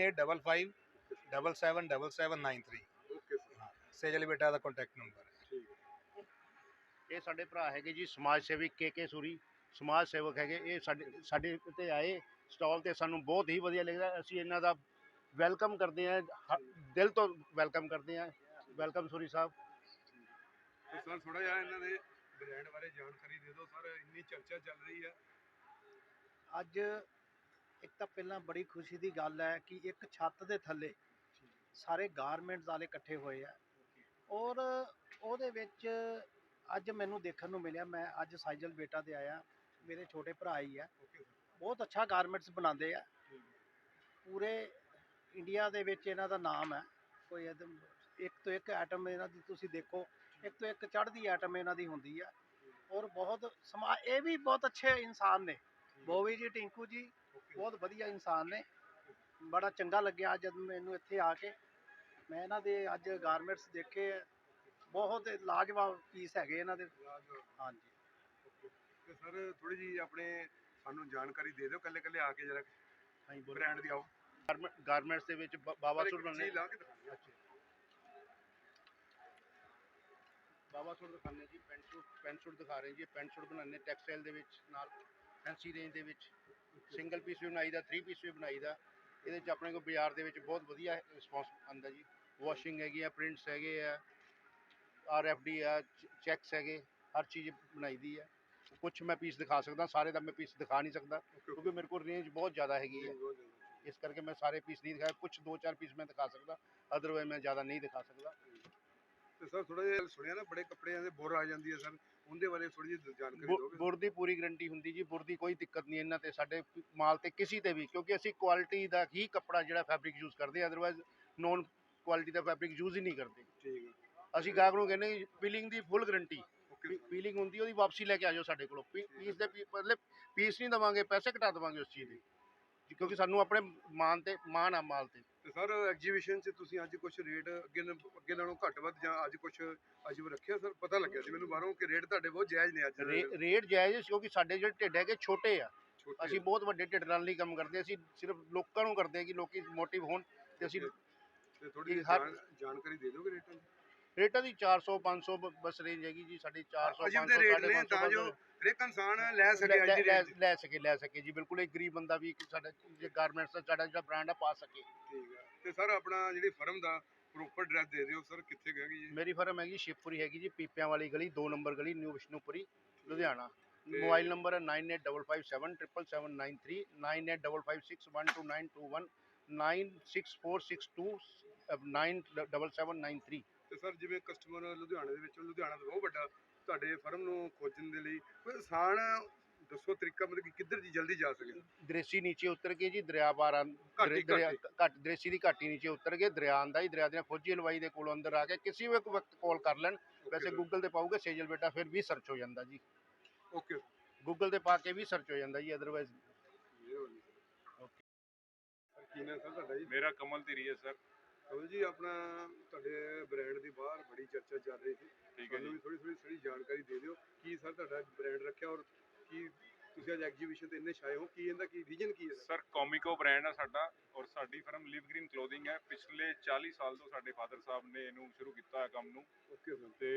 Speaker 12: 9855777793
Speaker 2: okay sir
Speaker 12: Sejal ਬੇਟਾ ਦਾ ਕੰਟੈਕਟ ਨੰਬਰ ਹੈ
Speaker 2: ਠੀਕ ਹੈ
Speaker 13: ਇਹ ਸਾਡੇ ਭਰਾ ਹੈਗੇ ਜੀ ਸਮਾਜ ਸੇਵੀ ਕੇ ਸੂਰੀ ਸਮਾਜ ਸੇਵਕ ਹੈਗੇ ਇਹ ਸਾਡੇ ਤੇ ਆਏ ਸਟਾਲ ਤੇ ਸਾਨੂੰ ਬਹੁਤ ਹੀ ਵਧੀਆ ਲੱਗਦਾ ਅਸੀਂ ਇਹਨਾਂ ਦਾ ਵੈਲਕਮ ਕਰਦੇ ਹਾਂ ਦਿਲ ਤੋਂ ਵੈਲਕਮ ਕਰਦੇ ਹਾਂ ਵੈਲਕਮ ਸੂਰੀ ਸਾਹਿਬ
Speaker 2: ਸਰ ਥੋੜਾ ਜਿਹਾ ਇਹਨਾਂ ਦੇ ਬ੍ਰਾਂਡ ਬਾਰੇ ਜਾਣਕਾਰੀ ਦੇ ਦਿਓ ਸਰ ਇੰਨੀ ਚਰਚਾ ਚੱਲ ਰਹੀ ਹੈ
Speaker 14: ਅੱਜ ਇੱਕ ਤਾਂ ਪਹਿਲਾਂ ਬੜੀ ਖੁਸ਼ੀ ਦੀ ਗੱਲ ਹੈ ਕਿ ਇੱਕ ਛੱਤ ਦੇ ਥੱਲੇ ਸਾਰੇ ਗਾਰਮੈਂਟਸ ਵਾਲੇ ਇਕੱਠੇ ਹੋਏ ਆ ਔਰ ਉਹਦੇ ਵਿੱਚ ਅੱਜ ਮੈਨੂੰ ਦੇਖਣ ਨੂੰ ਮਿਲਿਆ। ਮੈਂ ਅੱਜ ਸਾਈਜਲ ਬੇਟਾ ਤੇ ਆਇਆ, ਮੇਰੇ ਛੋਟੇ ਭਰਾ ਹੀ ਆ, ਬਹੁਤ ਅੱਛਾ ਗਾਰਮੈਂਟਸ ਬਣਾਉਂਦੇ ਆ। ਪੂਰੇ ਇੰਡੀਆ ਦੇ ਵਿੱਚ ਇਹਨਾਂ ਦਾ ਨਾਮ ਹੈ। ਕੋਈ ਇੱਕ ਤੋਂ ਇੱਕ ਆਈਟਮ ਇਹਨਾਂ ਦੀ ਤੁਸੀਂ ਦੇਖੋ, ਇੱਕ ਤੋਂ ਇੱਕ ਚੜ੍ਹਦੀ ਆਈਟਮ ਇਹਨਾਂ ਦੀ ਹੁੰਦੀ ਆ ਔਰ ਬਹੁਤ ਇਹ ਵੀ ਬਹੁਤ ਅੱਛੇ ਇਨਸਾਨ ਨੇ। ਬੋਵੀ ਜੀ, ਟਿੰਕੂ ਜੀ ਬਹੁਤ ਵਧੀਆ ਇਨਸਾਨ ਨੇ। ਬੜਾ ਚੰਗਾ ਲੱਗਿਆ ਜਦ ਮੈਨੂੰ ਇੱਥੇ ਆ ਕੇ। ਮੈਂ ਇਹਨਾਂ ਦੇ ਅੱਜ ਗਾਰਮੈਂਟਸ ਦੇਖੇ, ਬਹੁਤ ਲਾਜਵਾਬ ਪੀਸ ਹੈਗੇ ਇਹਨਾਂ ਦੇ। ਹਾਂਜੀ
Speaker 2: ਤੇ ਸਰ ਥੋੜੀ ਜੀ ਆਪਣੇ ਸਾਨੂੰ ਜਾਣਕਾਰੀ ਦੇ ਦਿਓ ਕੱਲੇ ਕੱਲੇ ਆ ਕੇ ਜਰਾ ਬ੍ਰਾਂਡ ਦੀ। ਆਓ
Speaker 13: ਗਾਰਮੈਂਟਸ ਦੇ ਵਿੱਚ ਬਾਬਾ ਸੂਟ ਬਣਾਉਂਦੇ, ਬਾਬਾ ਸੂਟ ਦਿਖਾਉਂਦੇ ਜੀ, ਪੈਂਟ ਸੂਟ ਦਿਖਾ ਰਹੇ ਜੀ। ਪੈਂਟ ਸੂਟ ਬਣਾਉਂਦੇ ਟੈਕਸਟਾਈਲ ਦੇ ਵਿੱਚ, ਨਾਲ ਫੈਂਸੀ ਰੇਂਜ ਦੇ ਵਿੱਚ ਸਿੰਗਲ ਪੀਸ ਵੀ ਬਣਾਈਦਾ, 3 ਪੀਸ ਵੀ ਬਣਾਈਦਾ। ਇਹਦੇ 'ਚ ਆਪਣੇ ਕੋਲ ਬਾਜ਼ਾਰ ਦੇ ਵਿੱਚ ਬਹੁਤ ਵਧੀਆ ਰਿਸਪੌਂਸ ਆਉਂਦਾ ਜੀ। ਵਾਸ਼ਿੰਗ ਹੈਗੀ ਆ, ਪ੍ਰਿੰਟਸ ਹੈਗੇ ਆ, RFD ਆ, ਚੈੱਕਸ ਹੈਗੇ, ਹਰ ਚੀਜ਼ ਬਣਾਈ ਦੀ ਹੈ। ਕੁਛ ਮੈਂ ਪੀਸ ਦਿਖਾ ਸਕਦਾ, ਸਾਰੇ ਦਾ ਮੈਂ ਪੀਸ ਦਿਖਾ ਨਹੀਂ ਸਕਦਾ ਕਿਉਂਕਿ ਮੇਰੇ ਕੋਲ ਰੇਂਜ ਬਹੁਤ ਜ਼ਿਆਦਾ ਹੈਗੀ ਹੈ, ਇਸ ਕਰਕੇ ਮੈਂ ਸਾਰੇ ਪੀਸ ਨਹੀਂ ਦਿਖਾਏ। ਕੁਛ 2-4 ਪੀਸ ਮੈਂ ਦਿਖਾ ਸਕਦਾ, ਅਦਰਵਾਈਜ਼ ਮੈਂ ਜ਼ਿਆਦਾ ਨਹੀਂ ਦਿਖਾ ਸਕਦਾ।
Speaker 2: ਤੇ ਸਰ ਥੋੜਾ ਜਿਹਾ ਸੁਣਿਆ ਨਾ ਬੜੇ ਕੱਪੜਿਆਂ ਦੇ ਬੁਰ ਆ ਜਾਂਦੀ ਹੈ ਸਰ, ਉਹਦੇ ਬਾਰੇ ਥੋੜੀ ਜਿਹੀ ਜਾਣਕਾਰੀ ਦਿਓਗੇ?
Speaker 13: ਬੁਰ ਦੀ ਪੂਰੀ ਗਰੰਟੀ ਹੁੰਦੀ ਜੀ, ਬੁਰ ਦੀ ਕੋਈ ਦਿੱਕਤ ਨਹੀਂ ਇਹਨਾਂ ਤੇ, ਸਾਡੇ ਮਾਲ ਤੇ ਕਿਸੇ ਤੇ ਵੀ, ਕਿਉਂਕਿ ਅਸੀਂ ਕੁਆਲਿਟੀ ਦਾ ਹੀ ਕੱਪੜਾ ਜਿਹੜਾ ਫੈਬਰਿਕ ਯੂਜ਼ ਕਰਦੇ ਹਾਂ, ਅਦਰਵਾਈਜ਼ ਨੋਨ ਕੁਆਲਿਟੀ ਦਾ ਫੈਬਰਿਕ ਯੂਜ਼ ਹੀ ਨਹੀਂ ਕਰਦੇ।
Speaker 2: ਠੀਕ ਹੈ।
Speaker 13: ਅਸੀਂ ਗਾਹਕ ਨੂੰ ਕਹਿੰਦੇ ਪੀਲਿੰਗ ਦੀ ਫੁੱਲ ਗਰੰਟੀ, ਪੀਲਿੰਗ ਹੁੰਦੀ ਉਹਦੀ ਵਾਪਸੀ ਲੈ ਕੇ ਆ ਜਾਓ ਸਾਡੇ ਕੋਲੋਂ। ਪੀਸ ਦੇ ਮਤਲਬ ਪੀਸ ਨਹੀਂ ਦੇਵਾਂਗੇ, ਪੈਸੇ ਘਟਾ ਦੇਵਾਂਗੇ ਉਸ ਚੀਜ਼ ਦੇ, ਕਿਉਂਕਿ ਸਾਨੂੰ ਆਪਣੇ ਮਾਣ ਆ ਮਾਲ ਤੇ।
Speaker 2: ਤੇ ਸਰ ਐਗਜੀਬਿਸ਼ਨ 'ਚ ਤੁਸੀਂ ਅੱਜ ਕੁਝ ਰੇਟ ਅੱਗੇ ਨਾਲੋਂ ਘੱਟ ਵੱਧ ਜਾਂ ਅੱਜ ਕੁਝ ਅਜੀਬ ਰੱਖਿਆ ਸਰ? ਪਤਾ ਲੱਗਿਆ ਸੀ ਮੈਨੂੰ ਬਾਹਰੋਂ ਕਿ ਰੇਟ ਤੁਹਾਡੇ ਬਹੁਤ ਜਾਇਜ਼ ਨੇ ਅੱਜ।
Speaker 13: ਰੇਟ ਜਾਇਜ਼ ਕਿਉਂਕਿ ਸਾਡੇ ਜਿਹੜੇ ਢਿੱਡ ਹੈਗੇ ਛੋਟੇ ਆ, ਅਸੀਂ ਬਹੁਤ ਵੱਡੇ ਢਿੱਡ ਨਾਲ ਨਹੀਂ ਕੰਮ ਕਰਦੇ, ਅਸੀਂ ਸਿਰਫ ਲੋਕਾਂ ਨੂੰ ਕਰਦੇ ਹਾਂ ਕਿ ਲੋਕੀ ਮੋਟਿਵ ਹੋਣ। ਤੇ ਅਸੀਂ
Speaker 2: ਥੋੜੀ ਜਾਣਕਾਰੀ ਦੇ ਦਿਓਗੇ ਰੇਟਾਂ ਦੀ?
Speaker 13: ਰੇਟਾਂ ਦੀ 400-500 ਬਸ ਰੇਂਜ ਹੈਗੀ ਜੀ ਸਾਡੀ। 400-500
Speaker 2: ਤਾਂ ਜੋ ਹਰੇਕ ਇਨਸਾਨ ਲੈ ਸਕੇ
Speaker 13: ਲੈ ਸਕੇ ਜੀ। ਬਿਲਕੁਲ ਇੱਕ ਗਰੀਬ ਬੰਦਾ ਵੀ ਸਾਡਾ ਜੇ ਗਾਰਮੈਂਟਸ ਦਾ ਸਾਡਾ ਜਿਹੜਾ ਬ੍ਰਾਂਡ ਆ ਪਾ ਸਕੇ।
Speaker 2: ਠੀਕ ਹੈ। ਤੇ ਸਰ ਆਪਣਾ ਜਿਹੜੀ ਫਰਮ ਦਾ ਪ੍ਰੋਪਰ ਐਡਰੈਸ ਦੇ ਦਿਓ ਸਰ, ਕਿੱਥੇ ਹੈਗੀ ਜੀ?
Speaker 13: ਮੇਰੀ ਫਰਮ ਹੈਗੀ ਸ਼ਿਵਪੁਰੀ ਹੈਗੀ ਜੀ, ਪੀਪਿਆਂ ਵਾਲੀ ਗਲੀ 2 ਨੰਬਰ ਗਲੀ, new Vishnupuri, Ludhiana. Mobile number ਹੈ 9855777993, 9855612921, 9646297793।
Speaker 2: ਤੇ ਸਰ ਜਿਵੇਂ ਕਸਟਮਰ ਲੁਧਿਆਣੇ ਦੇ ਵਿੱਚੋਂ, ਲੁਧਿਆਣਾ ਤਾਂ ਬਹੁਤ ਵੱਡਾ, ਤੁਹਾਡੇ ਫਰਮ ਨੂੰ ਖੋਜਣ ਦੇ ਲਈ ਕੋਈ ਆਸਾਨ ਦੱਸੋ ਤਰੀਕਾ, ਮਤਲਬ ਕਿ ਕਿੱਧਰ ਦੀ ਜਲਦੀ ਜਾ ਸਕੇ?
Speaker 13: ਦ੍ਰੇਸੀ ਨੀਚੇ ਉਤਰ ਕੇ ਜੀ, ਦਰਿਆ ਪਾਰ ਘੱਟ ਦ੍ਰੇਸੀ ਦੀ ਘਾਟੀ ਨੀਚੇ ਉਤਰ ਕੇ ਦਰਿਆ ਆਂਦਾ ਜੀ, ਦਰਿਆ ਦੀਆਂ ਫੌਜੀ ਹਲਵਾਈ ਦੇ ਕੋਲ ਅੰਦਰ ਆ ਕੇ ਕਿਸੇ ਵੀ ਵਕਤ ਕਾਲ ਕਰ ਲੈਣ। ਵੈਸੇ ਗੂਗਲ ਤੇ ਪਾਓਗੇ ਸੇਜਲ ਬੇਟਾ ਫਿਰ ਵੀ ਸਰਚ ਹੋ ਜਾਂਦਾ ਜੀ।
Speaker 2: ਓਕੇ,
Speaker 13: ਗੂਗਲ ਤੇ ਪਾ ਕੇ ਵੀ ਸਰਚ ਹੋ ਜਾਂਦਾ ਜੀ, ਅਦਰਵਾਈਜ਼।
Speaker 2: ਕੀ ਨਾਮ ਸਰ ਤੁਹਾਡਾ ਜੀ?
Speaker 15: ਮੇਰਾ ਕਮਲ ਧੀਰੀ ਹੈ ਸਰ।
Speaker 2: ਕਮਲ ਜੀ, ਆਪਣਾ ਤੁਹਾਡੇ ਬ੍ਰਾਂਡ ਦੀ ਬਾਹਰ ਬੜੀ ਚਰਚਾ ਚੱਲ ਰਹੀ ਸੀ, ਸਾਨੂੰ ਵੀ ਥੋੜੀ ਜਾਣਕਾਰੀ ਦੇ ਦਿਓ ਕੀ ਸਰ ਤੁਹਾਡਾ ਬ੍ਰਾਂਡ ਰੱਖਿਆ ਔਰ ਕੀ ਤੁਸੀਂ ਅੱਜ ਐਗਜੀਬਿਸ਼ਨ ਤੇ ਇੰਨੇ ਛਾਏ ਹੋ, ਕੀ ਇਹਦਾ ਕੀ ਰੀਜਨ ਕੀ ਹੈ?
Speaker 15: ਸਰ ਕੋਮਿਕੋ ਬ੍ਰਾਂਡ ਆ ਸਾਡਾ ਔਰ ਸਾਡੀ ਫਰਮ ਲਿਵ ਗ੍ਰੀਨ ਕਲੋਥਿੰਗ ਹੈ। ਪਿਛਲੇ 40 ਸਾਲ ਤੋਂ ਸਾਡੇ ਫਾਦਰ ਸਾਹਿਬ ਨੇ ਇਹਨੂੰ ਸ਼ੁਰੂ ਕੀਤਾ ਹੈ ਕੰਮ ਨੂੰ।
Speaker 2: Okay sir.
Speaker 15: ਤੇ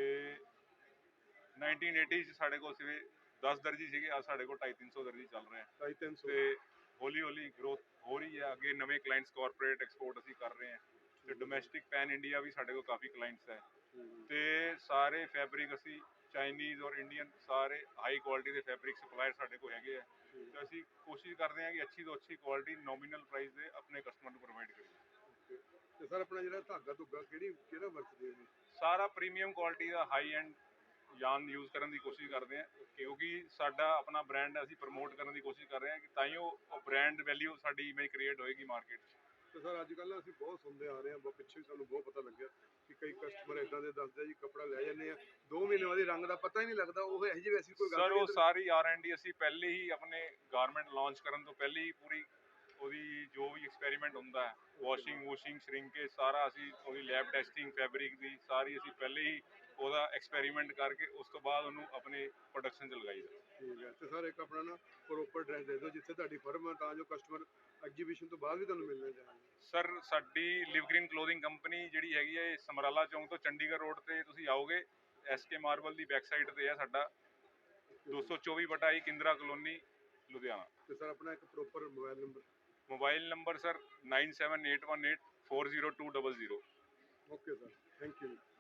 Speaker 15: 1980 ਚ ਸਾਡੇ ਕੋਲ ਸਿਵੇ 10 ਦਰਜੀ ਸੀਗੇ, ਅੱਜ ਸਾਡੇ ਕੋਲ 250-300 ਦਰਜੀ ਚੱਲ ਰਹੇ ਆ।
Speaker 2: 250-300
Speaker 15: ਤੇ ਹੌਲੀ ਹੌਲੀ ਗਰੋਥ ਹੋ ਰਹੀ ਹੈ। ਅੱਗੇ ਨਵੇਂ ਕਲਾਇੰਟਸ ਕਾਰਪੋਰੇਟ ਐਕਸਪੋਰਟ ਅਸੀਂ ਕਰ ਰਹੇ ਹਾਂ ਤੇ ਡੋਮੈਸਟਿਕ ਪੈਨ ਇੰਡੀਆ ਵੀ ਸਾਡੇ ਕੋਲ ਕਾਫੀ ਕਲਾਇੰਟਸ ਹੈ। ਤੇ ਸਾਰੇ ਫੈਬਰਿਕ ਅਸੀਂ ਚਾਈਨੀਜ਼ ਔਰ ਇੰਡੀਅਨ ਸਾਰੇ ਹਾਈ ਕੁਆਲਿਟੀ ਦੇ ਫੈਬਰਿਕ ਸਪਲਾਇਰ ਸਾਡੇ ਕੋਲ ਹੈਗੇ ਆ। ਤੇ ਅਸੀਂ ਕੋਸ਼ਿਸ਼ ਕਰਦੇ ਹਾਂ ਕਿ ਅੱਛੀ ਤੋਂ ਅੱਛੀ ਕੁਆਲਿਟੀ ਨੋਮੀਨਲ ਪ੍ਰਾਈਸ ਦੇ ਆਪਣੇ ਕਸਟਮਰ ਨੂੰ ਪ੍ਰੋਵਾਈਡ ਕਰੀਏ।
Speaker 2: ਤੇ ਸਰ ਆਪਣਾ ਜਿਹੜਾ ਧਾਗਾ ਧੁੱਗਾ ਕਿਹੜਾ ਵਰਤਦੇ ਹੋ?
Speaker 15: ਸਾਰਾ ਪ੍ਰੀਮੀਅਮ ਕੁਆਲਿਟੀ ਦਾ ਹਾਈ ਐਂਡ ਯਾਨ ਯੂਜ਼ ਕਰਨ ਦੀ ਕੋਸ਼ਿਸ਼ ਕਰਦੇ ਹਾਂ, ਕਿਉਂਕਿ ਸਾਡਾ ਆਪਣਾ ਬ੍ਰਾਂਡ ਅਸੀਂ ਪ੍ਰਮੋਟ ਕਰਨ ਦੀ ਕੋਸ਼ਿਸ਼ ਕਰ ਰਹੇ ਹਾਂ ਕਿ ਤਾਂ ਹੀ ਉਹ ਬ੍ਰਾਂਡ ਵੈਲਿਊ ਸਾਡੀ ਇਮੇਜ ਕ੍ਰੀਏਟ ਹੋਏਗੀ ਮਾਰਕੀਟ 'ਚ।
Speaker 2: ਤੇ ਸਰ ਅੱਜ ਕੱਲ੍ਹ ਅਸੀਂ ਬਹੁਤ ਸੁਣਦੇ ਆ ਰਹੇ ਹਾਂ, ਪਿੱਛੇ ਸਾਨੂੰ ਬਹੁਤ ਪਤਾ ਲੱਗਿਆ ਕਿ ਕਈ ਕਸਟਮਰ ਇਦਾਂ ਦੇ ਦੱਸਦੇ ਜੀ ਕੱਪੜਾ ਲੈ ਜਾਂਦੇ ਆ 2 ਮਹੀਨੇ ਬਾਅਦ ਰੰਗ ਦਾ ਪਤਾ ਹੀ ਨਹੀਂ ਲੱਗਦਾ। ਉਹ ਇਹੋ ਜਿਹੀ ਵੈਸੀ ਕੋਈ ਗੱਲ
Speaker 15: ਸਰ ਉਹ ਸਾਰੀ R&D ਅਸੀਂ ਪਹਿਲੇ ਹੀ ਆਪਣੇ ਗਾਰਮੈਂਟ ਲਾਂਚ ਕਰਨ ਤੋਂ ਪਹਿਲੇ ਹੀ ਪੂਰੀ ਉਹਦੀ ਜੋ ਵੀ ਐਕਸਪੈਰੀਮੈਂਟ ਹੁੰਦਾ ਹੈ, ਵਾਸ਼ਿੰਗ ਵੂਸ਼ਿੰਗ ਸ਼ਰਿੰਕੇਜ ਸਾਰਾ ਅਸੀਂ ਉਹਦੀ ਲੈਬ ਟੈਸਟਿੰਗ ਫੈਬਰਿਕ ਦੀ ਸਾਰੀ ਅਸੀਂ ਪਹਿਲੇ ਹੀ ਉਹਦਾ ਐਕਸਪੈਰੀਮੈਂਟ ਕਰਕੇ ਉਸ ਤੋਂ ਬਾਅਦ ਉਹਨੂੰ ਆਪਣੇ ਪ੍ਰੋਡਕਸ਼ਨ 'ਚ ਲਗਾਈਦਾ।
Speaker 2: ਠੀਕ ਹੈ। ਤੇ ਸਰ ਇੱਕ ਆਪਣਾ ਨਾ ਪ੍ਰੋਪਰ ਐਡਰੈਸ ਦੇ ਦਿਓ ਜਿੱਥੇ ਤੁਹਾਡੀ ਫਰਮ ਹੈ, ਤਾਂ ਜੋ ਕਸਟਮਰ ਐਗਜੀਬਿਸ਼ਨ ਤੋਂ ਬਾਅਦ ਵੀ ਤੁਹਾਨੂੰ ਮਿਲਣਾ ਚਾਹੀਦਾ।
Speaker 15: ਸਰ ਸਾਡੀ ਲਿਵ ਗ੍ਰੀਨ ਕਲੋਥਿੰਗ ਕੰਪਨੀ ਜਿਹੜੀ ਹੈਗੀ ਹੈ ਇਹ ਸਮਰਾਲਾ ਚੌਂਕ ਤੋਂ ਚੰਡੀਗੜ੍ਹ ਰੋਡ ਤੇ ਤੁਸੀਂ ਆਓਗੇ, SK ਮਾਰਬਲ ਦੀ ਬੈਕ ਸਾਈਡ ਤੇ ਹੈ ਸਾਡਾ 224/1 ਕਿੰਦਰਾ ਕਲੋਨੀ ਲੁਧਿਆਣਾ।
Speaker 2: ਤੇ ਸਰ ਆਪਣਾ ਇੱਕ proper mobile number?
Speaker 15: Mobile number sir 9781840200।
Speaker 2: Okay sir, thank you.